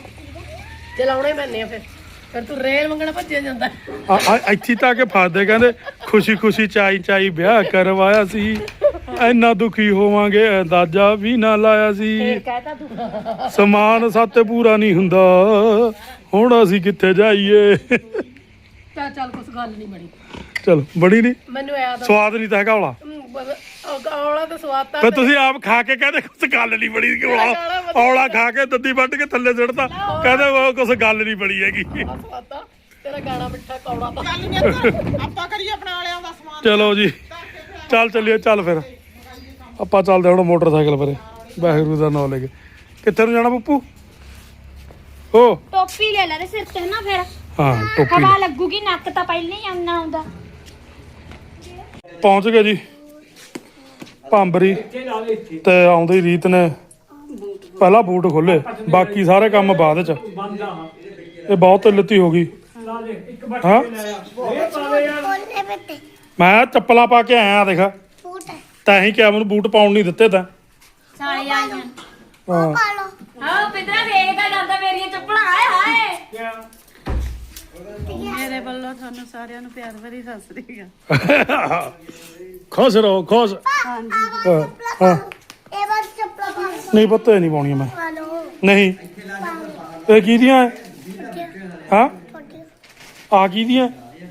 Speaker 3: ਚਲਾਉਣੇ ਪੈਣੇ ਆ। ਫਿਰ ਤੂੰ ਰੇਲ ਮੰਗਣਾ ਭੱਜਿਆ ਜਾਂਦਾ।
Speaker 1: ਇੱਥੇ ਤਾਂ ਆ ਕੇ ਫਸਦੇ, ਕਹਿੰਦੇ ਖੁਸ਼ੀ ਖੁਸ਼ੀ ਚਾਈ ਚਾਈ ਵਿਆਹ ਕਰਵਾਇਆ ਸੀ, ਇੰਨਾ ਦੁਖੀ ਹੋਵਾਂਗੇ ਅੰਦਾਜ਼ਾ ਵੀ ਨਾ ਲਾਇਆ ਸੀ,
Speaker 2: ਕਹਿਤਾ ਤੂੰ
Speaker 1: ਸਮਾਨ ਸੱਤ ਪੂਰਾ ਨਹੀਂ ਹੁੰਦਾ, ਹੁਣ ਅਸੀਂ ਕਿੱਥੇ ਜਾਈਏ।
Speaker 3: ਚੱਲ ਕੁਛ ਗੱਲ ਨਹੀਂ ਬਣੀ।
Speaker 1: ਚਲ ਬੜੀ ਨਹੀਂ
Speaker 3: ਮੈਨੂੰ ਯਾਦ
Speaker 1: ਸਵਾਦ ਨਹੀਂ ਤਾਂ ਹੈਗਾ ਔਲਾ।
Speaker 3: ਔਲਾ ਤਾਂ ਸਵਾਦ ਤਾਂ
Speaker 1: ਫਿਰ ਤੁਸੀਂ ਆਪ ਖਾ ਕੇ ਕਹਿੰਦੇ ਕੁਛ ਗੱਲ ਨਹੀਂ ਬਣੀ ਕਿ ਔਲਾ ਖਾ ਕੇ ਦੱਦੀ ਵੱਢ ਕੇ ਥੱਲੇ ਸੁੱਟਦਾ, ਕਹਿੰਦੇ ਉਹ ਕੁਛ ਗੱਲ ਨਹੀਂ ਬਣੀ ਹੈਗੀ।
Speaker 3: ਸਵਾਦ ਤਾਂ ਤੇਰਾ ਗਾਣਾ ਮਿੱਠਾ ਕੌੜਾ ਤਾਂ
Speaker 4: ਚੱਲ ਨਿੱਤ ਆਪਾਂ ਕਰੀਏ ਆਪਣਾ ਵਾਲਿਆਂ ਦਾ ਸਮਾਨ।
Speaker 1: ਚਲੋ ਜੀ ਚੱਲ ਚੱਲੀਏ, ਚੱਲ ਫਿਰ ਆਪਾਂ ਚੱਲਦੇ ਹੁਣ ਮੋਟਰਸਾਈਕਲ ਪਰੇ, ਵਾਹਿਗੁਰੂ ਦਾ ਨਾਮ ਲੈ ਕੇ। ਕਿੱਥੇ ਨੂੰ ਜਾਣਾ ਪੱਪੂ? ਓ
Speaker 2: ਟੋਪੀ ਲੈ ਲੈ ਤੇ ਸਿਰ ਤੇ ਨਾ, ਫਿਰ
Speaker 1: ਹਾਂ ਟੋਪੀ
Speaker 2: ਹਵਾ ਲੱਗੂਗੀ, ਨੱਕ ਤਾਂ ਪਹਿਲਾਂ ਹੀ ਆਉਣਾ ਆਉਂਦਾ।
Speaker 1: ਪਹੁੰਚ ਗਏ ਜੀ ਭਾਂਬਰੀ, ਤੇ ਆਉਂਦੇ ਹੀ ਰੀਤ ਨੇ ਪਹਿਲਾਂ ਬੂਟ ਖੋਲੇ, ਬਾਕੀ ਸਾਰੇ ਕੰਮ ਬਾਅਦ ਚ। ਇਹ ਬਹੁਤ ਲੱਤੀ ਹੋ ਗਈ। ਹਾਂ ਮੈਂ ਚੱਪਲਾਂ ਪਾ ਕੇ ਆਇਆ, ਦੇਖ ਤਾਂ ਹੀ ਕਿਹਾ ਮੈਨੂੰ ਬੂਟ ਪਾਉਣ ਨਹੀਂ ਦਿੱਤੇ ਤਾਂ।
Speaker 2: ਸਾਲੇ ਆਈਆਂ
Speaker 1: ਹਾਂ
Speaker 2: ਹਾਂ ਪਿੰਦਰਾ ਵੇਖਦਾ ਜਾਂਦਾ ਮੇਰੀਆਂ ਚੱਪਲਾਂ। ਹਾਏ ਹਾਏ
Speaker 4: ਮੇਰੇ ਵੱਲੋਂ ਤੁਹਾਨੂੰ ਸਾਰਿਆਂ ਨੂੰ ਪਿਆਰ ਭਰੀ ਸਤਿ ਸ੍ਰੀ ਅਕਾਲ।
Speaker 1: ਖੁਸ਼ ਰਹੋ, ਖੁਸ਼। ਹਾਂ ਨਹੀਂ ਪੁੱਤ ਇਹ ਨਹੀਂ ਪਾਉਣੀਆਂ ਮੈਂ, ਨਹੀਂ। ਇਹ ਕੀ ਦੀਆਂ ਹੈ? ਹਾਂ ਆ ਕੀ ਦੀਆਂ?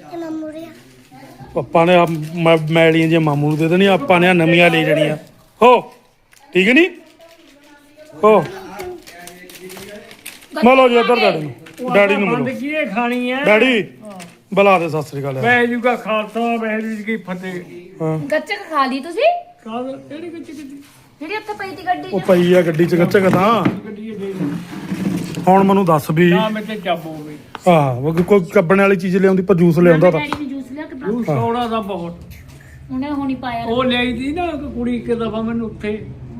Speaker 1: ਪਾਪਾ ਨੇ ਮੈਲੀਆਂ ਜਿਹੀਆਂ ਮਾਮੂ ਨੂੰ ਦੇ ਦੇਣੀਆਂ, ਆਪਾਂ ਨੇ ਨਵੀਆਂ ਲੈ ਜਾਣੀਆਂ। ਹੋ ਠੀਕ ਨਹੀਂ? ਹੋ ਮਿਲੋ ਜੀ ਇੱਧਰ ਡੈਡੀ ਨੂੰ, ਡੈਡੀ ਨੂੰ ਮਿਲੋ।
Speaker 6: ਕੀ ਇਹ ਖਾਣੀ ਹੈ?
Speaker 1: ਡੈਡੀ ਬੁਲਾ ਦੇ, ਸਤਿ ਸ੍ਰੀ ਅਕਾਲ।
Speaker 6: ਵਾਹਿਗੁਰੂ ਕਾ ਖਾਲਸਾ ਵਾਹਿਗੁਰੂ ਜੀ ਕੀ ਫਤਿਹ।
Speaker 1: ਹਾਂ
Speaker 2: ਗੱਚਕ ਖਾ ਲਈ ਤੁਸੀਂ?
Speaker 6: ਕਾਹਦਾ ਕਿਹੜੀ ਕਿੱਥੇ
Speaker 2: ਜਿਹੜੀ ਉੱਥੇ ਪਈ ਤੀ ਗੱਡੀ
Speaker 1: ਉਹ
Speaker 2: 'ਚ?
Speaker 1: ਪਈ ਆ ਗੱਡੀ ਚ ਗੱਚਕ ਤਾਂ।
Speaker 6: ਗੱਡੀ ਦੇ
Speaker 1: ਹੁਣ ਮੈਨੂੰ ਦੱਸ ਵੀ
Speaker 6: ਨਾ ਮੈਂ ਤੇ ਚੱਬ ਹੋ ਗਈ।
Speaker 1: ਹਾਂ ਕੋਈ ਕੱਬਣ ਵਾਲੀ ਚੀਜ਼ ਲਿਆਉਂਦੀ, ਪਰ ਜੂਸ ਲਿਆਉਂਦਾ ਤਾਂ।
Speaker 2: ਡੈਡੀ ਨੇ ਜੂਸ ਲਿਆ ਕੇ ਦਿੱਤਾ।
Speaker 6: ਜੂਸ ਸੋੜਾ ਦਾ ਬਹੁਤ
Speaker 2: ਉਹਨੇ ਹੁਣੀ ਪਾਇਆ।
Speaker 6: ਉਹ ਲਈ ਦੀ ਨਾ ਇੱਕ ਕੁੜੀ ਇੱਕ ਦਫਾ ਮੈਨੂੰ ਉੱਥੇ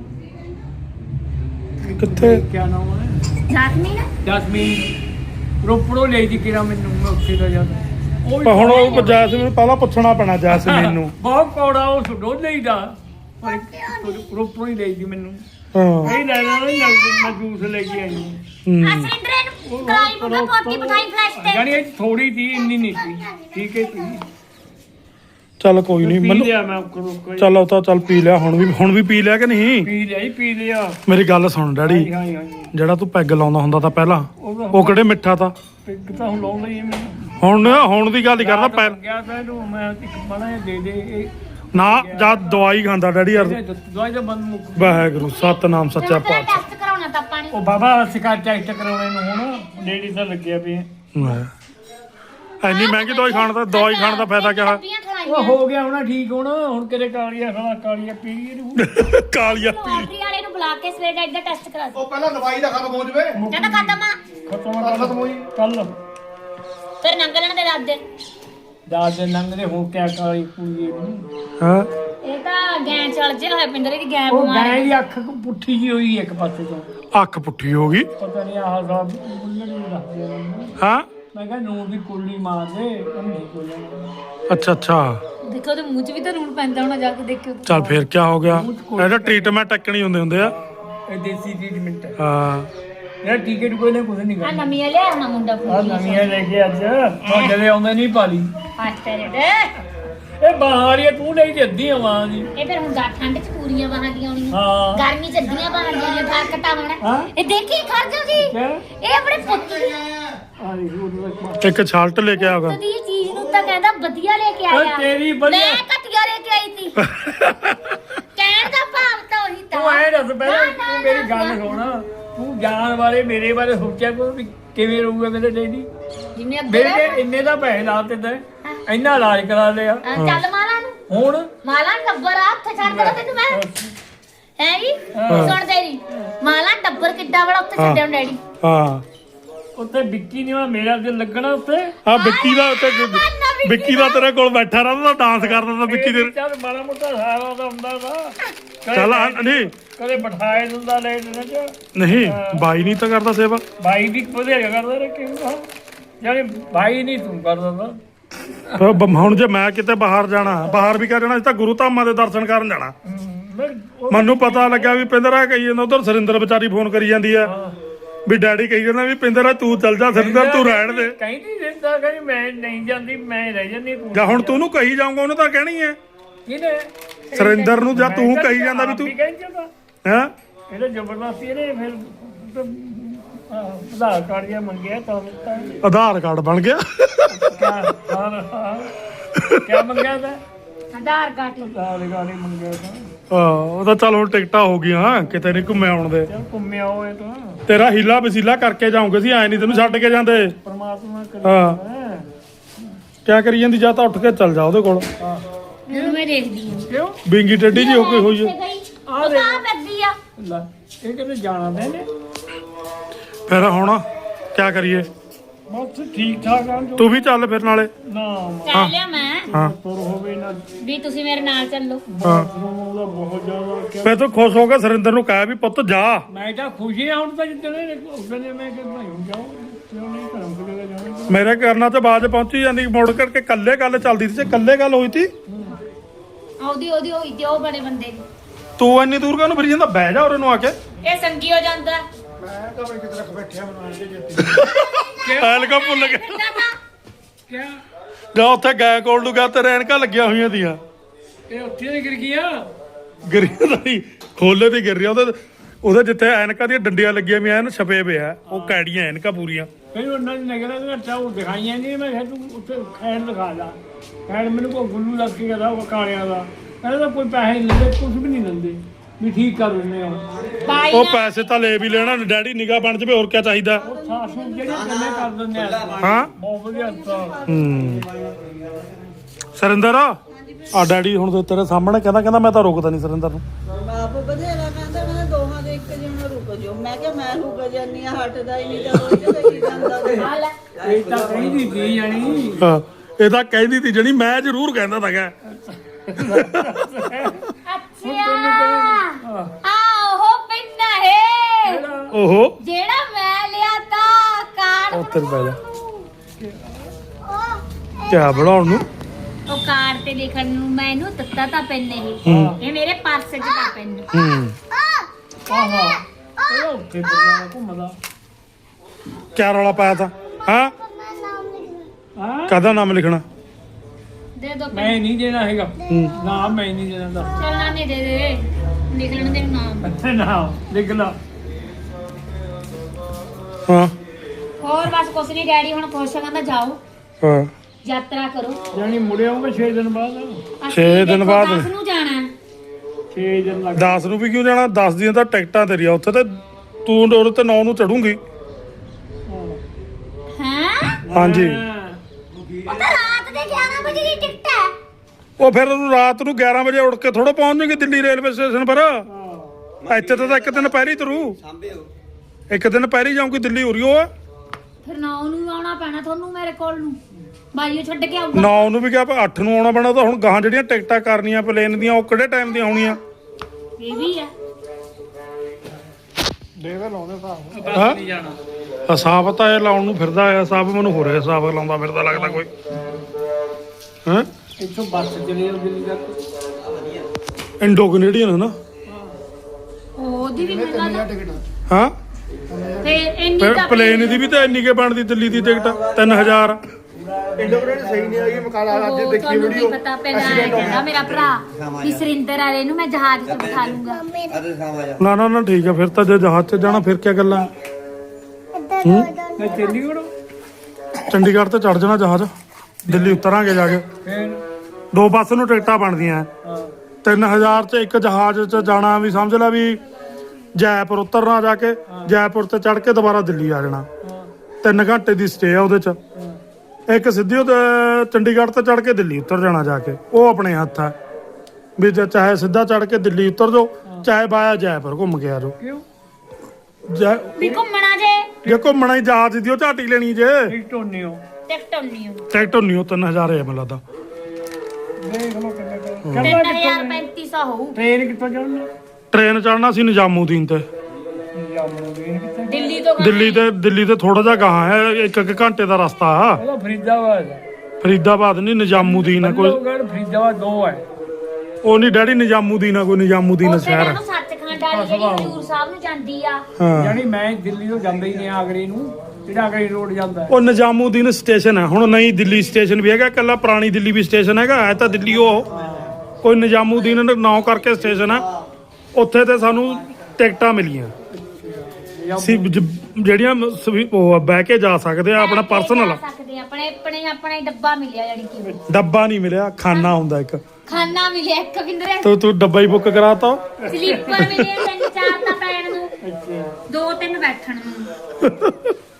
Speaker 1: ਕਿੱਥੇ?
Speaker 6: ਕਿਆ ਨਾਮ ਹੈ
Speaker 2: ਜਾਸਮੀਨ
Speaker 6: ਜਸਮੀਨ ਰੋਪੜੋ ਲਈ ਦੀ ਕਿਰਾ ਮੈਨੂੰ, ਮੈਂ ਉੱਥੇ ਦਾ ਜਾਂਦਾ ਉਹ ਵੀ
Speaker 1: ਪਰ ਹੁਣ ਉਹ ਜੈਸਮੀਨ ਪਹਿਲਾਂ ਪੁੱਛਣਾ ਪੈਣਾ ਜੈਸਮੀਨ ਨੂੰ।
Speaker 6: ਬਹੁਤ ਕੌੜਾ ਉਹ ਛੱਡੋ ਲਈਦਾ, ਪਰ ਰੋਪੜੋ ਹੀ ਲਈ ਦੀ ਮੈਨੂੰ।
Speaker 1: ਹਾਂ
Speaker 6: ਇਹ ਲੈ ਲੈਣਾ ਮੈਂ ਜੂਸ ਲੈ ਕੇ ਆਈ ਹਾਂ।
Speaker 2: ਅਸਰਿੰਦਰੇ ਨੂੰ ਕਰਾਈ ਮੁੰਡਾ ਪੋਤੀ ਪਕਾਈ ਫਲੈਸ਼ ਤੇ।
Speaker 6: ਜਾਨੀ ਇਹ ਥੋੜੀ ਸੀ, ਇੰਨੀ ਨਹੀਂ ਸੀ। ਠੀਕ ਹੈ ਤੁਸੀਂ
Speaker 1: ਚੱਲ ਕੋਈ ਨਹੀਂ
Speaker 6: ਪੀ
Speaker 1: ਮੈਨੂੰ,
Speaker 6: ਲਿਆ ਮੈਂ ਕੋਈ
Speaker 1: ਚੱਲ ਉਹ ਤਾਂ ਚੱਲ ਪੀ ਲਿਆ, ਹੁਣ ਵੀ ਪੀ ਲਿਆ ਕਿ ਨਹੀਂ?
Speaker 6: ਪੀ ਲਿਆ
Speaker 1: ਮੇਰੀ ਗੱਲ ਸੁਣ ਡੈਡੀ,
Speaker 6: ਹਾਂ
Speaker 1: ਜਿਹੜਾ ਤੂੰ ਪੈਗ ਲਾਉਂਦਾ ਹੁੰਦਾ ਤਾਂ ਪਹਿਲਾਂ, ਉਹ ਕਿਹੜੇ ਮਿੱਠਾ ਤਾਂ?
Speaker 6: ਪਿੱਗ ਤਾਂ ਹੁਣ ਲਾਉਂਦਾ ਹੀ ਹੈ ਮੈਨੂੰ।
Speaker 1: ਹੁਣ ਦੀ ਗੱਲ ਹੀ ਕਰਦਾ ਪਹਿਲਾਂ।
Speaker 6: ਗਿਆ ਤਾਂ ਇਹਨੂੰ ਮੈਂ ਇੱਕ ਬਣਾ ਦੇ ਦੇ ਇਹ
Speaker 1: ਨਾ ਜਦ ਦਵਾਈ ਖਾਂਦਾ ਡੈਡੀ ਯਾਰ।
Speaker 6: ਦਵਾਈ ਤਾਂ ਬੰਦ ਮੁੱਕ।
Speaker 1: ਵਾਹਿਗੁਰੂ ਸਤਨਾਮ ਸੱਚਾ ਪਾਤਸ਼ਾਹ।
Speaker 2: ਟੈਸਟ ਕਰਾਉਣਾ ਤਾਂ ਆਪਾਂ ਨੇ।
Speaker 6: ਉਹ ਬਾਬਾ ਸਿਕਾ ਟੈਸਟ ਕਰਾਉਣੇ ਨੂੰ ਹੁਣ ਲੇਡੀ ਤਾਂ ਲੱਗਿਆ ਪਈ।
Speaker 1: ਇੰਨੀ ਮਹਿੰਗੀ ਦਵਾਈ ਖਾਣ ਦਾ ਫਾਇਦਾ ਕਿਆ ਹੈ?
Speaker 2: ਡੱਬੀਆਂ
Speaker 6: ਉਹ
Speaker 2: ਖਲਾਈਆਂ।
Speaker 6: ਹੋ ਗਿਆ ਹੁਣ ਠੀਕ ਹੋਣਾ, ਹੁਣ ਕਿਤੇ ਕਾਲੀਆ ਖਾਣਾ ਕਾਲੀਆ ਪੀ ਨੂੰ
Speaker 1: ਕਾਲੀਆ
Speaker 2: ਲੋਟਰੀ ਵਾਲੇ ਨੂੰ ਬੁਲਾ ਕੇ ਸਵੇਰ ਦਾ ਟੈਸਟ ਕਰਾ ਦੇ।
Speaker 7: ਉਹ ਪਹਿਲਾਂ ਦਵਾਈ ਦਾ ਖਤਮ ਹੋ ਜਵੇ।
Speaker 2: ਕਹਿੰਦਾ ਖਤਮ ਆ,
Speaker 6: ਖਤਮ ਹੋਈ ਕੱਲ
Speaker 2: ਫਿਰ ਨੰਗਲਣ ਦੇ ਦੱਸ ਦੇ।
Speaker 6: ਦੇ ਨੰਗਲੇ ਹੋ ਕਿਆ ਕਾਲੀ ਕੁੜੀ ਨੂੰ।
Speaker 1: ਹਾਂ
Speaker 2: ਇਹ ਤਾਂ ਗੈਂ ਚਲ ਜਿਆ ਹੋਇਆ ਪਿੰਦਰੇ ਦੀ ਗੈਂ
Speaker 6: ਉਹ
Speaker 2: ਬਿਮਾਰ
Speaker 6: ਗਾਂ
Speaker 2: ਹੈ।
Speaker 6: ਦੀ ਅੱਖ ਪੁੱਠੀ ਜੀ ਹੋਈ ਇੱਕ ਪਾਸੇ ਤੋਂ,
Speaker 1: ਅੱਖ ਪੁੱਠੀ ਹੋ ਗਈ।
Speaker 6: ਪਤਾ ਨਹੀਂ ਆਹ ਸਭ ਬੁੱਲਣ ਨੂੰ ਦੱਸਦੇ ਆ ਮੈਨੂੰ।
Speaker 1: ਹਾਂ
Speaker 6: ਮੈਂ ਕਿਹਾ ਨੂਨ ਦੀ ਕੁੱਲੀ ਮਾਰ ਦੇ, ਉਹ ਨਹੀਂ ਕੋਲ
Speaker 1: ਅੱਛਾ ਅੱਛਾ
Speaker 2: ਦੇਖੋ ਉਹਦੇ ਮੂੰਹ 'ਚ ਵੀ ਤਾਂ ਲੂਣ ਪੈਂਦਾ ਹੋਣਾ, ਜਾ ਕੇ ਦੇਖਿਓ।
Speaker 1: ਚੱਲ ਫੇਰ ਕੀ ਹੋ ਗਿਆ? ਇਹਦਾ ਟ੍ਰੀਟਮੈਂਟ ਟੱਕਣੀ ਹੁੰਦੇ ਆ।
Speaker 6: ਇਹ ਦੇਸੀ ਟ੍ਰੀਟਮੈਂਟ ਹੈ।
Speaker 1: ਹਾਂ
Speaker 6: ਇਹ ਟਿਕਟ ਕੋਈ ਨੇ ਕੁਝ ਨਹੀਂ
Speaker 2: ਆ
Speaker 6: ਕਰਨਾ
Speaker 2: ਨਵੀਆਂ ਲਿਆ ਨਾ ਮੁੰਡਾ
Speaker 6: ਆ
Speaker 2: ਫੂਕੀ
Speaker 6: ਨਵੀਆਂ ਲੈ ਕੇ ਅੱਜ ਹੁਣ ਜਦੇ ਆਉਂਦੇ ਨਹੀਂ ਪਾਲੀ
Speaker 2: ਫਾਸਟਰ
Speaker 6: ਇਹ ਬਾਹਰੀਆ ਤੂੰ ਨਹੀਂ ਤੇ ਅੱਧੀ ਆਵਾਂ ਦੀ
Speaker 2: ਇਹ ਫਿਰ ਹੁਣ ਠੰਡ ਚ ਪੂਰੀਆਂ ਬਾਹਾਂ ਦੀਆਂ ਆਉਣੀਆਂ
Speaker 6: ਹਾਂ
Speaker 2: ਗਰਮੀ ਚ ਅੱਧੀਆਂ ਬਾਹਾਂ ਦੀਆਂ ਨੇ ਫਰਕ ਤਾਂ
Speaker 6: ਹਾਂ।
Speaker 2: ਹੋਣਾ ਇਹ ਦੇਖੀ ਖਰਜੋ ਜੀ
Speaker 6: ਕਿਆ
Speaker 2: ਇਹ ਆਪਣੇ ਪੁੱਤ ਦੀ
Speaker 6: ਆ ਦੇਖ ਉਹ
Speaker 1: ਇੱਕ ਸ਼ਰਟ ਲੈ ਕੇ ਆਗਾ
Speaker 2: ਪੁੱਤ ਦੀ ਚੀਜ਼ ਨੂੰ ਤਾਂ ਕਹਿੰਦਾ ਵਧੀਆ ਲੈ ਕੇ ਆਇਆ
Speaker 6: ਤੇਰੀ ਵਧੀਆ
Speaker 2: ਮੈਂ ਘਟੀਆ ਲੈ ਕੇ ਆਈ ਸੀ ਕਹਿਣ ਦਾ ਭਾਵ ਤਾਂ ਉਹੀ ਤਾਂ
Speaker 6: ਤੂੰ ਐ ਦੱਸ ਪਹਿਲਾਂ
Speaker 2: ਨਾ, ਨਾ,
Speaker 6: ਤੂੰ ਮੇਰੀ
Speaker 2: ਨਾ,
Speaker 6: ਗੱਲ
Speaker 2: ਨਾ।
Speaker 6: ਸੁਣ ਤੂੰ ਜਾਣ ਬਾਰੇ ਮੇਰੇ ਬਾਰੇ ਸੋਚਿਆ ਕੋਈ ਵੀ ਕਿਵੇਂ ਰਹੂਗਾ ਮੇਰੇ ਡੈਡੀ
Speaker 2: ਜਿਵੇਂ ਅੱਗੇ
Speaker 6: ਮੇਰੇ ਤੇ ਇੰਨੇ ਦਾ ਪੈਸੇ ਲਾ ਦਿੱਤੇ ਇੰਨਾ ਇਲਾਜ ਕਰਾ ਲਿਆ
Speaker 2: ਚੱਲ ਮਾਲਾ ਨੂੰ
Speaker 6: ਹੁਣ
Speaker 2: ਮਾਲਾ ਟੱਬਰ ਆ ਉੱਥੇ ਛੱਡ ਦੇਣਾ ਤੈਨੂੰ ਮੈਂ ਹੈ ਜੀ ਸੁਣ ਤੇਰੀ ਮਾਲਾ ਟੱਬਰ ਕਿੱਡਾ ਬੜਾ ਉੱਥੇ ਛੱਡਿਆ ਡੈਡੀ
Speaker 1: ਹਾਂ
Speaker 6: ਉੱਥੇ ਵਿੱਕੀ ਨਹੀਂ ਮੇਰਾ ਦਿਲ ਲੱਗਣਾ ਉੱਥੇ
Speaker 1: ਆ ਵਿੱਕੀ ਦਾ ਉੱਤੇ ਵਿੱਕੀ ਦਾ ਤੇਰੇ ਕੋਲ ਬੈਠਾ ਰਹਿੰਦਾ ਡਾਂਸ ਕਰਦਾ ਤਾਂ ਵਿੱਕੀ ਦੇ
Speaker 6: ਚੱਲ ਮਾੜਾ ਮੋਟਾ ਸਾਰਾ ਦਾ ਹੁੰਦਾ ਦਾ
Speaker 1: ਚੱਲ ਨਹੀਂ
Speaker 6: ਕਦੇ ਬਿਠਾਏ ਦਿੰਦਾ ਲੈ ਦਿੰਦਾ ਚ
Speaker 1: ਨਹੀਂ ਬਾਈ ਨਹੀਂ ਤਾਂ ਕਰਦਾ ਸੇਵਾ
Speaker 6: ਭਾਈ ਵੀ ਵਧੀਆ ਕਰਦਾ ਰੇ ਕਿਉਂ ਜਾਨੀ ਭਾਈ ਨਹੀਂ ਤੂੰ ਕਰਦਾ ਨਾ
Speaker 1: ਹੁਣ ਜੇ ਮੈਂ ਕਿਤੇ ਬਾਹਰ ਜਾਣਾ ਬਾਹਰ ਵੀ ਕਰ ਜਾਣਾ ਅਸੀਂ ਤਾਂ ਗੁਰੂ ਧਾਮਾਂ ਦੇ ਦਰਸ਼ਨ ਕਰਨ ਜਾਣਾ ਮੈਨੂੰ ਪਤਾ ਲੱਗਾ ਵੀ ਪਿੰਦਰਾ ਕਹੀ ਜਾਂਦਾ ਉਧਰ ਸੁਰਿੰਦਰ ਵਿਚਾਰੀ ਫੋਨ ਕਰੀ ਜਾਂਦੀ ਆ ਵੀ ਡੈਡੀ ਕਹੀ ਜਾਂਦਾ ਵੀ ਪਿੰਦਰਾ ਤੂੰ ਚੱਲ ਜਾ ਸੁਰਿੰਦਰ ਤੂੰ ਰਹਿਣ ਦੇ
Speaker 6: ਕਹਿੰਦੀ ਰਹਿੰਦਾ ਕਹਿੰਦੀ ਮੈਂ ਨਹੀਂ ਜਾਂਦੀ ਮੈਂ ਰਹਿ ਜਾਂਦੀ ਤੂੰ
Speaker 1: ਜਾਂ ਹੁਣ ਤੂੰ ਉਹਨੂੰ ਕਹੀ ਜਾਊਂਗਾ ਉਹਨੂੰ ਤਾਂ ਕਹਿਣੀ ਹੈ
Speaker 6: ਕਿਹਨੇ
Speaker 1: ਸੁਰਿੰਦਰ ਨੂੰ ਜਾਂ ਤੂੰ ਕਹੀ ਜਾਂਦਾ ਵੀ ਤੂੰ ਹੈਂ
Speaker 6: ਇਹਨੇ ਜ਼ਬਰਦਸਤੀ ਇਹਨੇ ਫਿਰ ਆਧਾਰ ਕਾਰਡ ਜਿਹਾ ਮੰਗਿਆ ਤਾਂ
Speaker 1: ਆਧਾਰ ਕਾਰਡ ਬਣ ਗਿਆ
Speaker 6: ਕਿਆ ਮੰਗਿਆ ਤਾ
Speaker 2: ਆਧਾਰ ਕਾਰਡ
Speaker 6: ਆਧਾਰ ਕਾਰਡ ਹੀ ਮੰਗਿਆ ਤਾਂ
Speaker 1: ਉਹ ਤਾਂ ਚੱਲ ਹੁਣ ਟਿਕਟਾਂ ਹੋ ਗਈਆਂ ਕਿਤੇ ਨਹੀਂ ਘੁੰਮੇ ਆਉਣ ਦੇ
Speaker 6: ਚੱਲ ਘੁੰਮਿਆ ਹੋਏ ਤਾਂ
Speaker 1: ਤੇਰਾ ਹੀਲਾ ਵਸੀਲਾ ਕਰਕੇ ਜਾਉਂਗੇ ਸੀ ਐ ਨਹੀਂ ਤੈਨੂੰ ਛੱਡ ਕੇ ਜਾਂਦੇ
Speaker 6: ਪਰਮਾਤਮਾ
Speaker 1: ਹਾਂ।
Speaker 6: ਕਰੇ
Speaker 1: ਕਿਆ ਕਰੀ ਜਾਂਦੀ ਜਾਂ ਤਾਂ ਉੱਠ ਕੇ ਚੱਲ ਜਾ ਉਹਦੇ ਕੋਲ
Speaker 2: ਮੈਨੂੰ ਮੈਂ ਦੇਖਦੀ ਹਾਂ
Speaker 6: ਕਿਉਂ
Speaker 1: ਬਿੰਗੀ ਟੱਡੀ ਜੀ ਹੋ ਕੇ ਹੋਈ ਹੈ
Speaker 2: ਆ ਦੇ ਆ ਪੈਦੀ ਆ
Speaker 6: ਲੈ ਇਹ ਕਹਿੰਦੇ ਜਾਣਾ ਦੇ ਨੇ
Speaker 1: ਫਿਰ ਹੁਣ ਕਿਆ ਕਰੀਏ
Speaker 6: ਬਸ ਠੀਕ ਠਾਕ ਆ ਜੋ
Speaker 1: ਤੂੰ ਵੀ ਚੱਲ ਫਿਰ ਨਾਲੇ
Speaker 6: ਨਾ
Speaker 2: ਕਹਿ ਲਿਆ ਮੈਂ
Speaker 1: ਹਾਂ
Speaker 6: ਤੁਰ ਹੋਵੇ ਨਾ
Speaker 2: ਵੀ ਤੁਸੀਂ ਮੇਰੇ ਨਾਲ ਚੱਲੋ
Speaker 6: ਬਾਥਰੂਮ ਉਹਦਾ ਬਹੁਤ ਜ਼ਿਆਦਾ ਕਿਆ
Speaker 1: ਫਿਰ ਤੂੰ ਖੁਸ਼ ਹੋ ਕੇ ਸੁਰਿੰਦਰ ਨੂੰ ਕਹਿ ਵੀ ਪੁੱਤ ਜਾ
Speaker 6: ਮੈਂ ਤਾਂ ਖੁਸ਼ੀ ਆ ਹੁਣ ਤਾਂ ਜਿੱਦਣੇ ਉਹਨੇ ਮੈਂ ਕਿ ਭਾਈ ਹੁਣ ਜਾਓ ਕਿਉਂ ਨਹੀਂ ਘਰੋਂ ਕਿਤੇ ਜਾਣਾ
Speaker 1: ਮੇਰੇ ਕਰਨਾ ਤੇ ਬਾਅਦ 'ਚ ਪਹੁੰਚੀ ਜਾਂਦੀ ਮੁੜ ਕਰਕੇ ਕੱਲੇ ਗੱਲ ਚੱਲਦੀ ਸੀ ਜੇ ਕੱਲੇ ਗੱਲ ਹੋਈ ਤੀ
Speaker 2: ਉਹਦੀ ਹੋਈ ਤੇ ਉਹ ਬੜੇ ਬੰਦੇ ਦੀ
Speaker 1: ਤੂੰ ਇੰਨੀ ਦੂਰ ਕਾਹਨੂੰ ਫਿਰੀ ਜਾਂਦਾ ਬਹਿ ਜਾ ਉਰੇ ਨੂੰ ਆ ਕੇ
Speaker 2: ਇਹ ਸੰਗੀ ਹੋ ਜਾਂਦਾ
Speaker 1: ਐਲਕਾ ਭੁੱਲ ਗਿਆ
Speaker 2: ਫਿਰਦਾ ਤਾਂ
Speaker 6: ਕਿਆ
Speaker 1: ਜਾ ਉੱਥੇ ਗਏ ਕੋਲ ਨੂੰ ਗਿਆ ਤੇ ਐਨਕਾਂ ਲੱਗੀਆਂ ਹੋਈਆਂ ਦੀਆਂ
Speaker 6: ਇਹ ਉੱਥੇ ਨਹੀਂ ਗਿਰ ਗਿਆ
Speaker 1: ਗਿਰੀਆਂ ਤਾਂ ਨਹੀਂ ਖੋਲੇ ਤੇ ਗਿਰ ਰਿਹਾ ਉਹਦੇ ਜਿੱਥੇ ਐਨਕਾਂ ਦੀਆਂ ਡੰਡੀਆਂ ਲੱਗੀਆਂ ਵੀ ਐਨ ਛਪੇ ਪਿਆ ਉਹ ਕੈੜੀਆਂ ਐਨਕਾਂ ਪੂਰੀਆਂ
Speaker 6: ਕਈ ਉਹਨਾਂ ਨੇ ਨਗਰਾਂ ਦੇ ਅੱਛਾ ਉਹ ਦਿਖਾਈਆਂ ਨਹੀਂ ਮੈਂ ਕਿਹਾ ਤੂੰ ਉੱਥੇ ਖੈਰ ਦਿਖਾ ਲਾ ਖੈਰ ਮੈਨੂੰ ਕੋਈ ਗੁੱਲੂ ਲੱਗ ਕੇ ਗਿਆ ਉਹ ਕਾਲਿਆਂ ਦਾ ਕਹਿੰਦਾ ਤਾਂ ਕੋਈ ਪੈਸੇ ਨਹੀਂ ਲੈਂਦੇ ਕੁਝ ਵੀ ਨਹੀਂ ਲੈਂਦੇ ਵੀ ਠੀਕ ਕਰ ਦਿੰਦੇ ਆ
Speaker 2: ਬਾਈ
Speaker 1: ਉਹ ਪੈਸੇ ਤਾਂ ਲੈ ਵੀ ਲੈਣਾ ਡੈਡੀ ਨਿਗਾਹ ਬਣ ਜਵੇ ਹੋਰ ਕੀ ਚਾਹੀਦਾ
Speaker 6: ਉਹ ਸਾਸੂ ਜਿਹੜੇ ਗੱਲੇ ਕਰ ਦਿੰਦੇ ਆ
Speaker 1: ਹਾਂ
Speaker 6: ਬਹੁਤ ਵਧੀਆ ਤਾਂ
Speaker 1: ਸੁਰਿੰਦਰ ਆ ਡੈਡੀ ਹੁਣ ਤੇਰੇ ਸਾਹਮਣੇ ਕਹਿੰਦਾ ਮੈਂ ਤਾਂ ਰੁਕਦਾ ਨਹੀਂ ਸੁਰਿੰਦਰ ਨੂੰ
Speaker 4: ਬਾਪ ਬਥੇਰਾ ਕਹਿੰਦਾ ਦੋਹਾਂ ਦੇ ਇੱਕ ਜਿਹਾ ਰੁਕ ਜਾਓ ਮੈਂ ਕਿਹਾ ਮੈਂ ਰੁਕ ਜਾਂਦੀ ਆ ਹਟਦਾ ਹੀ ਨਹੀਂ ਤਾਂ ਰੋਜ਼ ਤੇ ਜਾਂਦਾ
Speaker 2: ਆ ਲੈ
Speaker 6: ਇਹ ਤਾਂ ਕਹਿੰਦੀ ਸੀ ਜਾਣੀ
Speaker 1: ਹਾਂ ਇਹ ਤਾਂ ਕਹਿੰਦੀ ਤੀ ਜਣੀ ਮੈਂ ਜ਼ਰੂਰ ਕਹਿੰਦਾ ਤਾਂਗਾ
Speaker 2: ਅੱਛਾ ਆ ਉਹ ਪਿੰਨਾ ਹੈ
Speaker 1: ਓਹੋ
Speaker 2: ਜਿਹੜਾ ਮੈਂ ਲਿਆ ਤਾ ਕਾਰਡ
Speaker 1: ਉੱਤਰ ਪੈ ਜਾ ਕਿਆ ਬਣਾਉਣ ਨੂੰ
Speaker 2: ਉਹ ਕਾਰਡ ਤੇ ਲਿਖਣ ਨੂੰ ਮੈਨੂੰ ਦਿੱਤਾ ਤਾਂ ਪੈਨ ਇਹ ਮੇਰੇ ਪਰਸ 'ਚ ਤਾਂ ਪੈਨ
Speaker 6: ਆਹਾ ਇਹ ਉੱਥੇ ਬੁਲਾਣਾ ਘੁੰਮਦਾ
Speaker 1: ਕਿਆ ਰੌਲਾ ਪਾਇਆ ਤਾਂ ਹਾਂ
Speaker 6: ਹਾਂ
Speaker 1: ਕਾਹਦਾ ਨਾਮ ਲਿਖਣਾ
Speaker 2: ਦੇ ਦੋ
Speaker 6: ਮੈਂ ਨਹੀਂ ਦੇਣਾ ਹੈਗਾ ਨਾ ਮੈਂ ਨਹੀਂ ਦੇਣਾ ਦਾ
Speaker 2: ਚੱਲਣਾ ਨਹੀਂ ਦੇ ਲਿਖ ਲੈਣ ਦੇ ਨਾਮ
Speaker 6: ਨਾ ਲਿਖ ਲਾ
Speaker 1: ਹਾਂ
Speaker 2: ਹੋਰ ਬਸ ਕੁਛ ਨਹੀਂ ਡੈਡੀ ਹੁਣ ਖੁਸ਼ ਹੋ ਕਹਿੰਦਾ ਜਾਓ
Speaker 1: ਹਾਂ
Speaker 2: ਯਾਤਰਾ ਕਰੋ
Speaker 6: ਜਾਨੀ ਮੁੜੇ ਆਉਂਗੇ 6 ਦਿਨ ਬਾਅਦ
Speaker 2: ਅਸੀਂ
Speaker 1: ਛੇ ਦਿਨ
Speaker 2: ਦੇਖੋ
Speaker 1: ਬਾਅਦ।
Speaker 2: 10 ਨੂੰ ਜਾਣਾ
Speaker 6: 6 ਦਿਨ ਲੱਗ
Speaker 1: 10 ਨੂੰ ਵੀ ਕਿਉਂ ਜਾਣਾ 10 ਦੀਆਂ ਤਾਂ ਟਿਕਟਾਂ ਤੇਰੀਆਂ ਉੱਥੇ ਤੇ ਤੂੰ ਉਹਦੇ ਤੇ 9 ਨੂੰ ਚੜੂਗੀ
Speaker 2: ਹੈ
Speaker 1: ਹਾਂਜੀ
Speaker 2: ਉਹ ਤਾਂ ਰਾਤ ਦੇ 11 ਵਜੇ ਦੀ ਟਿਕਟ ਹੈ
Speaker 1: ਉਹ ਫਿਰ ਉਹਨੂੰ ਰਾਤ ਨੂੰ 11 ਵਜੇ ਉੱਠ ਕੇ ਥੋੜਾ ਪਹੁੰਚ ਜਾਏਗੀ ਦਿੱਲੀ ਰੇਲਵੇ ਸਟੇਸ਼ਨ ਪਰ ਇੱਥੇ ਤਾਂ ਇੱਕ ਦਿਨ ਪਹਿਰੀ ਤਰੂ ਇੱਕ ਦਿਨ ਪਹਿਰੀ ਜਾਊਂਗੀ ਦਿੱਲੀ ਉਰੀਓ ਆ
Speaker 2: ਫਿਰ 9 ਨੂੰ ਆਉਣਾ ਪੈਣਾ ਤੁਹਾਨੂੰ ਮੇਰੇ ਕੋਲ ਨੂੰ ਬਾਈਓ ਛੱਡ ਕੇ ਆਊਗਾ
Speaker 1: 9 ਨੂੰ ਵੀ ਕਿਹਾ 8 ਨੂੰ ਆਉਣਾ ਪੈਣਾ ਤਾਂ ਹੁਣ ਗਾਹਾਂ ਜਿਹੜੀਆਂ ਟਿਕਟਾਂ ਕਰਨੀਆਂ ਪਲੇਨ ਦੀਆਂ ਉਹ ਕਿਹੜੇ ਟਾਈਮ ਦੀਆਂ ਹੋਣੀਆਂ
Speaker 2: ਇਹ ਵੀ ਆ
Speaker 1: ਹਾਂ ਹਿਸਾਬ ਤਾਂ ਇਹ ਲਾਉਣ ਨੂੰ ਫਿਰਦਾ ਆ ਹਿਸਾਬ ਮੈਨੂੰ ਹੋ ਰਿਹਾ ਹਿਸਾਬ ਲਾਉਂਦਾ ਫਿਰਦਾ ਲੱਗਦਾ ਕੋਈ ਹਾਂ
Speaker 6: ਇੱਥੋਂ ਬੱਸ ਚਲੇ ਜਾਓ ਦਿੱਲੀ ਤੱਕ
Speaker 1: ਇੰਡੋ ਕੈਨੇਡੀਅਨ ਹੈ ਨਾ
Speaker 2: ਉਹਦੀ ਵੀ ਮਿਲਣਾ
Speaker 1: ਹਾਂ
Speaker 2: ਫੇਰ ਇੰਨੀ
Speaker 1: ਫਿਰ
Speaker 2: ਤਾਂ
Speaker 1: ਪਲੇਨ ਦੀ ਵੀ ਤਾਂ ਇੰਨੀ ਕੇ ਬਣਦੀ ਦਿੱਲੀ ਦੀ ਟਿਕਟ 3000
Speaker 7: ਇੰਟਰਨੈਟ ਸਹੀ ਨਹੀਂ ਆਈ ਮਕਾਨ ਅੱਜ
Speaker 2: ਉਹ
Speaker 7: ਦੇਖੀ
Speaker 2: ਤੁਹਾਨੂੰ
Speaker 7: ਵੀਡੀਓ
Speaker 2: ਕੀ ਪਤਾ ਪਹਿਲਾਂ ਐਂ ਕਹਿੰਦਾ ਮੇਰਾ ਭਰਾ ਵੀ ਸਰਿੰਦਰ ਵਾਲੇ ਨੂੰ ਮੈਂ ਜਹਾਜ਼ 'ਚ ਬਿਠਾ ਲੂੰਗਾ
Speaker 1: ਨਾ ਠੀਕ ਹੈ ਫਿਰ ਤਾਂ ਜੇ ਜਹਾਜ਼ 'ਚ ਜਾਣਾ ਫਿਰ ਕੀ ਗੱਲਾਂ
Speaker 6: ਮੈਂ ਚੰਡੀਗੜ੍ਹ
Speaker 1: ਚੰਡੀਗੜ੍ਹ ਤੇ ਚੜ ਜਾਣਾ ਜਹਾਜ਼ ਦਿੱਲੀ ਉਤਰਾਂਗੇ ਜਾ ਕੇ
Speaker 6: ਫੇਰ
Speaker 1: 2 ਬੱਸ ਨੂੰ ਟਿਕਟਾਂ ਬਣਦੀਆਂ 3000 ਚ ਇੱਕ ਜਹਾਜ਼ 'ਚ ਜਾਣਾ ਵੀ ਸਮਝ ਲੈ ਵੀ ਜੈਪੁਰ ਉਤਰਨਾ ਜਾ ਕੇ ਜੈਪੁਰ ਤੇ ਚੜ ਕੇ ਦੁਬਾਰਾ ਦਿੱਲੀ ਆ ਜਾਣਾ 3 ਘੰਟੇ ਦੀ ਸਟੇ ਆ ਉਹਦੇ 'ਚ ਇੱਕ ਸਿੱਧੀ ਉਹ ਚੰਡੀਗੜ੍ਹ ਤੇ ਚੜ ਕੇ ਦਿੱਲੀ ਉਤਰ ਜਾਣਾ ਜਾ ਕੇ ਉਹ ਆਪਣੇ ਹੱਥ ਹੈ ਵੀ ਜੇ ਚਾਹੇ ਸਿੱਧਾ ਚੜ ਕੇ ਦਿੱਲੀ ਉਤਰ ਜਾਓ ਚਾਹੇ ਬਾਇਆ ਜੈਪੁਰ ਘੁੰਮ ਕੇ ਆ ਜਾਓ
Speaker 6: ਕਿਉਂ
Speaker 2: ਵੀ ਘੁੰਮਣਾ ਜੇ
Speaker 1: ਜੇ ਘੁੰਮਣਾ ਹੀ ਜਹਾਜ਼ ਦੀ ਉਹ ਝਾਟੀ ਲੈਣੀ ਜੇ
Speaker 6: ਟਿਕਟ ਹੋਣੀ ਹੋ
Speaker 2: ਟਿਕਟ ਹੋਣੀ ਹੋ
Speaker 1: ਟਿਕਟ ਨਹੀਂ ਉਹ 3000 ਹੈ ਮੈਨੂੰ ਲੱਗਦਾ
Speaker 6: ਦੇਖ ਲਓ ਕਿੰਨੇ ਕਹਿੰਦਾ
Speaker 2: 3350 ਹੋਊ
Speaker 6: ਟ੍ਰੇਨ ਕਿੱਥੋਂ ਜਾਣਾ
Speaker 1: ਟ੍ਰੇਨ ਚੜਨਾ ਸੀ ਨਿਜ਼ਾਮੂਦੀਨ ਤੇ
Speaker 6: ਜਾਮੂ ਟ੍ਰੇਨ ਕਿੱਥੇ
Speaker 1: ਦਿੱਲੀ ਤੇ ਥੋੜਾ ਜਿਹਾ ਗਾਹਾਂ ਹੈ ਇੱਕ ਘੰਟੇ ਦਾ ਰਸਤਾ ਆ
Speaker 6: ਉਹਦਾ ਫਰੀਦਾਬਾਦ
Speaker 1: ਫਰੀਦਾਬਾਦ ਨਹੀਂ ਨਿਜ਼ਾਮੂਦੀਨ ਹੈ ਕੋਈ
Speaker 6: ਲੋਗੜ ਫਰੀਦਾਬਾਦ 2 ਹੈ
Speaker 1: ਉਹ ਨਹੀਂ ਡੈਡੀ ਨਿਜ਼ਾਮੂਦੀਨ ਆ ਕੋਈ ਨਿਜ਼ਾਮੂਦੀਨ
Speaker 2: ਉੱਥੇ
Speaker 1: ਸ਼ਹਿਰ
Speaker 2: ਨੂੰ ਸੱਚਖੰਡ ਵਾਲੀ ਜਿਹੜੀ ਹਜ਼ੂਰ ਸਾਹਿਬ ਨੂੰ ਜਾਂਦੀ ਆ
Speaker 1: ਹਾਂ
Speaker 6: ਯਾਨੀ ਮੈਂ ਦਿੱਲੀ ਤੋਂ ਜਾਂਦਾ ਹੀ ਨਹੀਂ ਆਗਰੇ ਨੂੰ ਜਿਹੜਾ ਆਗਰੇ ਰੋਡ ਜਾਂਦਾ ਹੈ।
Speaker 1: ਉਹ ਨਿਜ਼ਾਮੂਦੀਨ ਸਟੇਸ਼ਨ ਹੈ ਹੁਣ ਨਹੀਂ ਦਿੱਲੀ ਸਟੇਸ਼ਨ ਵੀ ਹੈਗਾ ਇਕੱਲਾ ਪੁਰਾਣੀ ਦਿੱਲੀ ਵੀ ਸਟੇਸ਼ਨ ਹੈਗਾ ਹੈ ਤਾਂ ਦਿੱਲੀ ਉਹ ਕੋਈ ਨਿਜ਼ਾਮੂਦੀਨ ਨਾਂ ਕਰਕੇ ਸਟੇਸ਼ਨ ਹੈ ਉੱਥੇ ਤੇ ਸਾਨੂੰ ਟਿਕਟਾਂ ਮਿਲੀਆਂ ਸੀ ਜਿਹੜੀਆਂ ਉਹ ਆ, ਬਹਿ ਕੇ ਜਾ ਸਕਦੇ ਆ ਆਪਣਾ ਪਰਸਨਲ
Speaker 2: ਜਾ ਸਕਦੇ ਆ, ਆਪਣਾ ਹੀ ਡੱਬਾ ਮਿਲਿਆ ਜਾਨੀ ਕਿ
Speaker 1: ਡੱਬਾ ਨਹੀਂ ਮਿਲਿਆ ਖਾਨਾ ਹੁੰਦਾ ਇੱਕ
Speaker 2: ਖਾਣਾ ਮਿਲਿਆ ਇੱਕ ਵਿੰਦਰੇ
Speaker 1: ਤੂੰ ਡੱਬਾ ਹੀ ਬੁੱਕ ਕਰਾਤਾ
Speaker 2: ਸਲੀਪਰ ਮਿਲੇ 3-4 ਤਾਂ ਪੈਣ ਨੂੰ 2-3 ਬੈਠਣ ਨੂੰ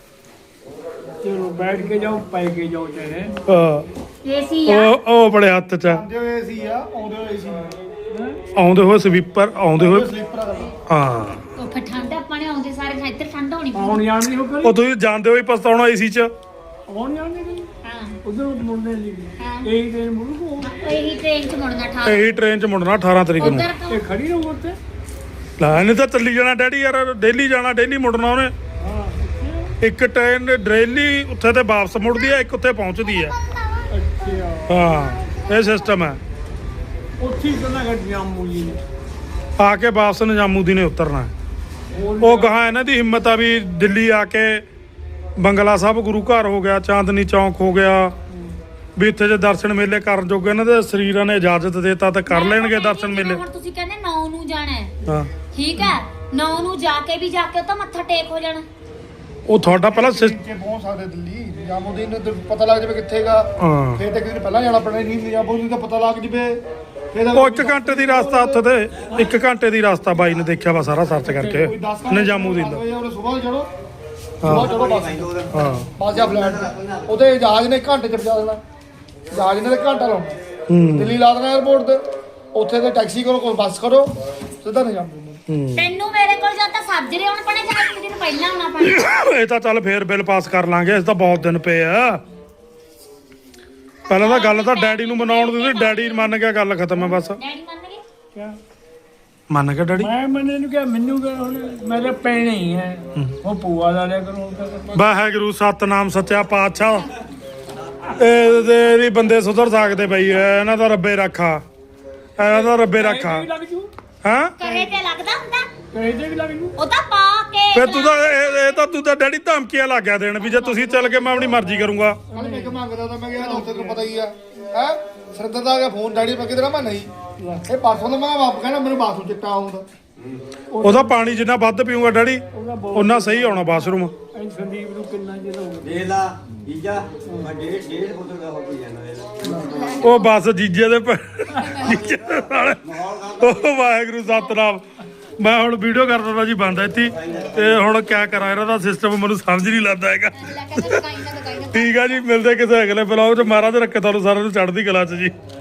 Speaker 6: ਚਲੋ ਬੈਠ ਕੇ ਜਾਓ ਪੈ ਕੇ ਜਾਓ ਚਾਹੇ
Speaker 1: ਹਾਂ
Speaker 2: ਏਸੀ ਆ
Speaker 1: ਉਹ ਬੜੇ ਹੱਥ ਚ ਆ।
Speaker 7: ਆਉਂਦੇ ਹੋਏ ਸੀ ਆ ਆਉਂਦੇ ਹੋਏ ਸੀ
Speaker 1: ਆਉਂਦੇ ਹੋਏ ਸਵੀਪਰ ਆਉਂਦੇ ਹੋਏ
Speaker 7: ਸਲੀਪਰ
Speaker 1: ਹਾਂ
Speaker 2: ਉਹ ਫਿਰ ਠੰਡ ਆਪਾਂ ਨੇ ਆਉਂਦੇ ਸਾਰੇ ਇੱਧਰ ਠੰਡ ਹੋਣੀ
Speaker 6: ਆਉਣ ਜਾਣ ਦੀ ਹੋ ਕਰੀ
Speaker 1: ਉਹ ਤੁਸੀਂ ਜਾਣਦੇ ਹੋ ਹੀ ਪਛਤਾਉਣਾ ਏਸੀ ਚ
Speaker 6: ਆਉਣ ਜਾਣ ਦੀ ਕਰੀ
Speaker 2: ਹਾਂ
Speaker 6: ਉਧਰ ਮੁੜਨੇ ਦੀ
Speaker 2: ਹਾਂ।
Speaker 6: ਇਹ ਟ੍ਰੇਨ ਮੁੜੂ
Speaker 2: ਇਹੀ ਟ੍ਰੇਨ 'ਚ ਮੁੜਨਾ ਠਾ
Speaker 1: ਇਹੀ ਟ੍ਰੇਨ ਚ ਮੁੜਨਾ 18 ਤਰੀਕ ਨੂੰ
Speaker 2: ਉਧਰ ਤੋਂ
Speaker 6: ਇਹ ਖੜੀ ਰਹੂ ਉੱਥੇ
Speaker 1: ਲੈ ਇਹਨੇ ਤਾਂ ਚੱਲੀ ਜਾਣਾ ਡੈਡੀ ਯਾਰ ਡੇਲੀ ਜਾਣਾ ਡੇਲੀ ਮੁੜਨਾ ਉਹਨੇ ਇੱਕ ਟ੍ਰੇਨ ਡੇਲੀ ਉੱਥੇ ਤੇ ਵਾਪਸ ਮੁੜਦੀ ਹੈ ਇੱਕ ਉੱਥੇ ਪਹੁੰਚਦੀ ਹੈ
Speaker 6: ਅੱਛਾ
Speaker 1: ਹਾਂ ਇਹ ਸਿਸਟਮ ਹੈ
Speaker 6: ਉੱਥੇ ਹੀ ਕਹਿੰਦਾ ਕਿ ਜਾਮੂ ਜੀ ਨੇ
Speaker 1: ਆ ਕੇ ਵਾਪਸ ਨਿਜ਼ਾਮੂਦੀਨ ਨੇ ਉਤਰਨਾ ਉਹ ਗਾਹਾਂ ਇਹਨਾਂ ਦੀ ਹਿੰਮਤ ਆ ਵੀ ਦਿੱਲੀ ਆ ਕੇ ਬੰਗਲਾ ਸਾਹਿਬ ਗੁਰੂ ਘਰ ਹੋ ਗਿਆ ਚਾਂਦਨੀ ਚੌਂਕ ਹੋ ਗਿਆ ਵੀ ਇੱਥੇ ਜੇ ਦਰਸ਼ਨ ਮੇਲੇ ਕਰਨ ਜੋਗੇ ਇਹਨਾਂ ਦੇ ਸਰੀਰਾਂ ਨੇ ਇਜਾਜ਼ਤ ਦੇਤਾ ਤਾਂ ਕਰ ਲੈਣਗੇ ਦਰਸ਼ਨ ਮੇਲੇ
Speaker 2: ਹੁਣ ਤੁਸੀਂ ਕਹਿੰਦੇ 9 ਨੂੰ ਜਾਣਾ ਹੈ
Speaker 1: ਹਾਂ
Speaker 2: ਠੀਕ ਹੈ 9 ਨੂੰ ਜਾ ਕੇ ਉਹ ਤਾਂ ਮੱਥਾ ਟੇਕ ਹੋ ਜਾਣਾ
Speaker 1: ਉਹ ਤੁਹਾਡਾ ਪਹਿਲਾਂ
Speaker 7: ਕਿ ਪਹੁੰਚ ਸਕਦੇ ਦਿੱਲੀ ਨਿਜ਼ਾਮੂਦੀਨ ਨੂੰ ਪਤਾ ਲੱਗ ਜਾਵੇ ਕਿੱਥੇਗਾ
Speaker 1: ਹਾਂ
Speaker 7: ਫਿਰ ਤਾਂ ਕਿਤੇ ਪਹਿਲਾਂ ਜਾਣਾ ਪੈਣਾ ਨਹੀਂ ਨਿਜ਼ਾਮੂਦੀਨ ਦਾ ਪਤਾ ਲੱਗ ਜਵੇ ਫਿਰ
Speaker 1: ਉਹ 1 ਘੰਟੇ ਦੀ ਰਸਤਾ ਉੱਥੇ ਤੇ 1 ਘੰਟੇ ਦੀ ਰਸਤਾ ਬਾਈ ਨੇ ਦੇਖਿਆ ਵਾ ਸਾਰਾ ਸਰਚ ਕਰਕੇ ਨਿਜ਼ਾਮੂਦੀਨ ਦਾ
Speaker 7: ਉਹਨੇ ਸਵੇਰ ਚੜੋ ਸਵੇਰ ਚੜੋ ਬੱਸ
Speaker 1: ਹਾਂ
Speaker 7: ਬੱਸ ਜਾਂ ਫਲੈਟ ਤੇ ਉਹਦੇ ਜਹਾਜ਼ ਨੇ ਘੰਟੇ ਚ ਪਹੁੰਚਾ ਦੇਣਾ ਜਹਾਜ਼ ਨੇ ਤਾਂ ਘੰਟਾ ਲਾਉਣਾ
Speaker 1: ਹੂੰ
Speaker 7: ਦਿੱਲੀ ਲਾ ਦੇਣਾ 에어ਪੋਰਟ ਤੇ ਉੱਥੇ ਤੇ ਟੈਕਸੀ ਕਰੋ ਕੋਈ ਬੱਸ ਕਰੋ ਸਿੱਧਾ ਨਿਜ਼ਾਮੂਦੀਨ
Speaker 2: ਤੈਨੂੰ ਮੇਰੇ ਕੋਲ ਜਾਂ ਤਾਂ ਸਾਜਰੇ ਆਉਣ ਪਣੇ ਜਾਂ ਇੱਕ ਦਿਨ ਪਹਿਲਾਂ ਆਉਣਾ ਪੈਣਾ
Speaker 1: ਇਹ ਤਾਂ ਚੱਲ ਫੇਰ ਬਿੱਲ ਪਾਸ ਕਰ ਲਾਂਗੇ ਇਸ ਤਾਂ ਬਹੁਤ ਦਿਨ ਪਏ ਆ ਪਹਿਲਾਂ ਤਾਂ ਗੱਲ ਤਾਂ ਡੈਡੀ ਨੂੰ ਮਨਾਉਣ ਦੀ ਸੀ ਡੈਡੀ ਮੰਨ ਗਿਆ ਗੱਲ ਖਤਮ ਹੈ ਬਸ
Speaker 2: ਡੈਡੀ ਮੰਨ ਗਏ
Speaker 6: ਕਿਆ
Speaker 1: ਮੰਨ ਗਿਆ ਡੈਡੀ
Speaker 6: ਮੈਂ ਮੰਨੇ ਨੂੰ ਕਿਹਾ ਮੈਨੂੰ ਕਿਹਾ ਹੁਣ ਮੇਰੇ ਪੈਣੇ ਹੀ ਹੈ ਉਹ ਪੂਆ ਦਾ ਲਿਆ ਕਰੋ
Speaker 1: ਵਾਹਿਗੁਰੂ ਸਤਨਾਮ ਸੱਚਾ ਪਾਤਸ਼ਾਹ ਇਹਦੇ ਬੰਦੇ ਸੁਧਰ ਸਕਦੇ ਬਈ ਇਹਨਾਂ ਦਾ ਰੱਬੇ ਰੱਖਾ ਇਹਨਾਂ ਦਾ ਰੱਬੇ ਰੱਖਾ
Speaker 6: ਲੱਗ ਜੂ
Speaker 1: ਹਾਂ
Speaker 2: ਕਹੇ ਤੇ ਲੱਗਦਾ ਹੁੰਦਾ
Speaker 6: ਕਹੇ ਤੇ ਵੀ ਲੱਗ ਜੂ
Speaker 2: ਉਹ ਤਾਂ ਪਾ ਕੇ
Speaker 1: ਫੇਰ ਤੂੰ ਤਾਂ ਇਹ ਤਾਂ ਤੂੰ ਤਾਂ ਡੈਡੀ ਧਮਕੀਆਂ ਲੱਗ ਗਿਆ ਦੇਣ ਵੀ ਜੇ ਤੁਸੀਂ ਚੱਲ ਕੇ ਮੈਂ ਆਪਣੀ ਮਰਜ਼ੀ ਕਰੂੰਗਾ
Speaker 7: ਕੱਲ ਮੈਂ ਮੰਗਦਾ ਤਾਂ ਮੈਂ ਕਿਹਾ ਉੱਥੇ ਤੈਨੂੰ ਪਤਾ ਹੀ ਆ ਹੈ ਸਰਦਾਰ ਦਾ ਆ ਗਿਆ ਫੋਨ ਡੈਡੀ ਮੈਂ ਕਿਧਰ ਮੈਂ ਨਹੀਂ ਇਹ ਪਰਸੋਂ ਦਾ ਮੈਂ ਵਾਪ ਕਹਿੰਦਾ ਮੈਨੂੰ ਬਾਥਰੂਮ ਚਿੱਟਾ ਆਉਂਦਾ
Speaker 1: ਉਹਦਾ ਪਾਣੀ ਜਿੰਨਾ ਵੱਧ ਪੀਊਗਾ ਡੈਡੀ ਉਹਨਾਂ ਸਹੀ ਆਉਣਾ ਬਾਥਰੂਮ
Speaker 6: ਐਂ ਸੰਦੀਪ ਨੂੰ ਕਿੰਨਾ ਚਿਰ ਹੋ ਗਿਆ
Speaker 8: ਦੇ ਲਾ ਜੀਜਾ ਮੈਂ ਡੇਢ ਬੋਤਲ ਦਾ ਹੋ ਗਈ ਜਾਂਦਾ
Speaker 1: ਉਹ ਬਸ ਜੀਜੇ ਦੇ ਜੀਜੇ ਦੇ ਨਾਲ ਉਹ ਵਾਹਿਗੁਰੂ ਸਤਨਾਮ ਮੈਂ ਹੁਣ ਵੀਡੀਓ ਕਰਦਾ ਜੀ ਬੰਦ ਇੱਥੇ ਤੇ ਹੁਣ ਕਿਆ ਕਰਾਂ ਇਹਨਾਂ ਦਾ ਸਿਸਟਮ ਮੈਨੂੰ ਸਮਝ ਨਹੀਂ ਲੱਗਦਾ ਹੈਗਾ
Speaker 2: ਲੈ ਕੇ ਦੁਕਾਈ ਨਾ
Speaker 1: ਠੀਕ ਆ ਜੀ ਮਿਲਦੇ ਕਿਸੇ ਅਗਲੇ ਬਲੌਗ 'ਚ ਮਹਾਰਾਜ ਰੱਖੇ ਤੁਹਾਨੂੰ ਸਾਰਿਆਂ ਨੂੰ ਚੜ੍ਹਦੀ ਕਲਾ 'ਚ ਜੀ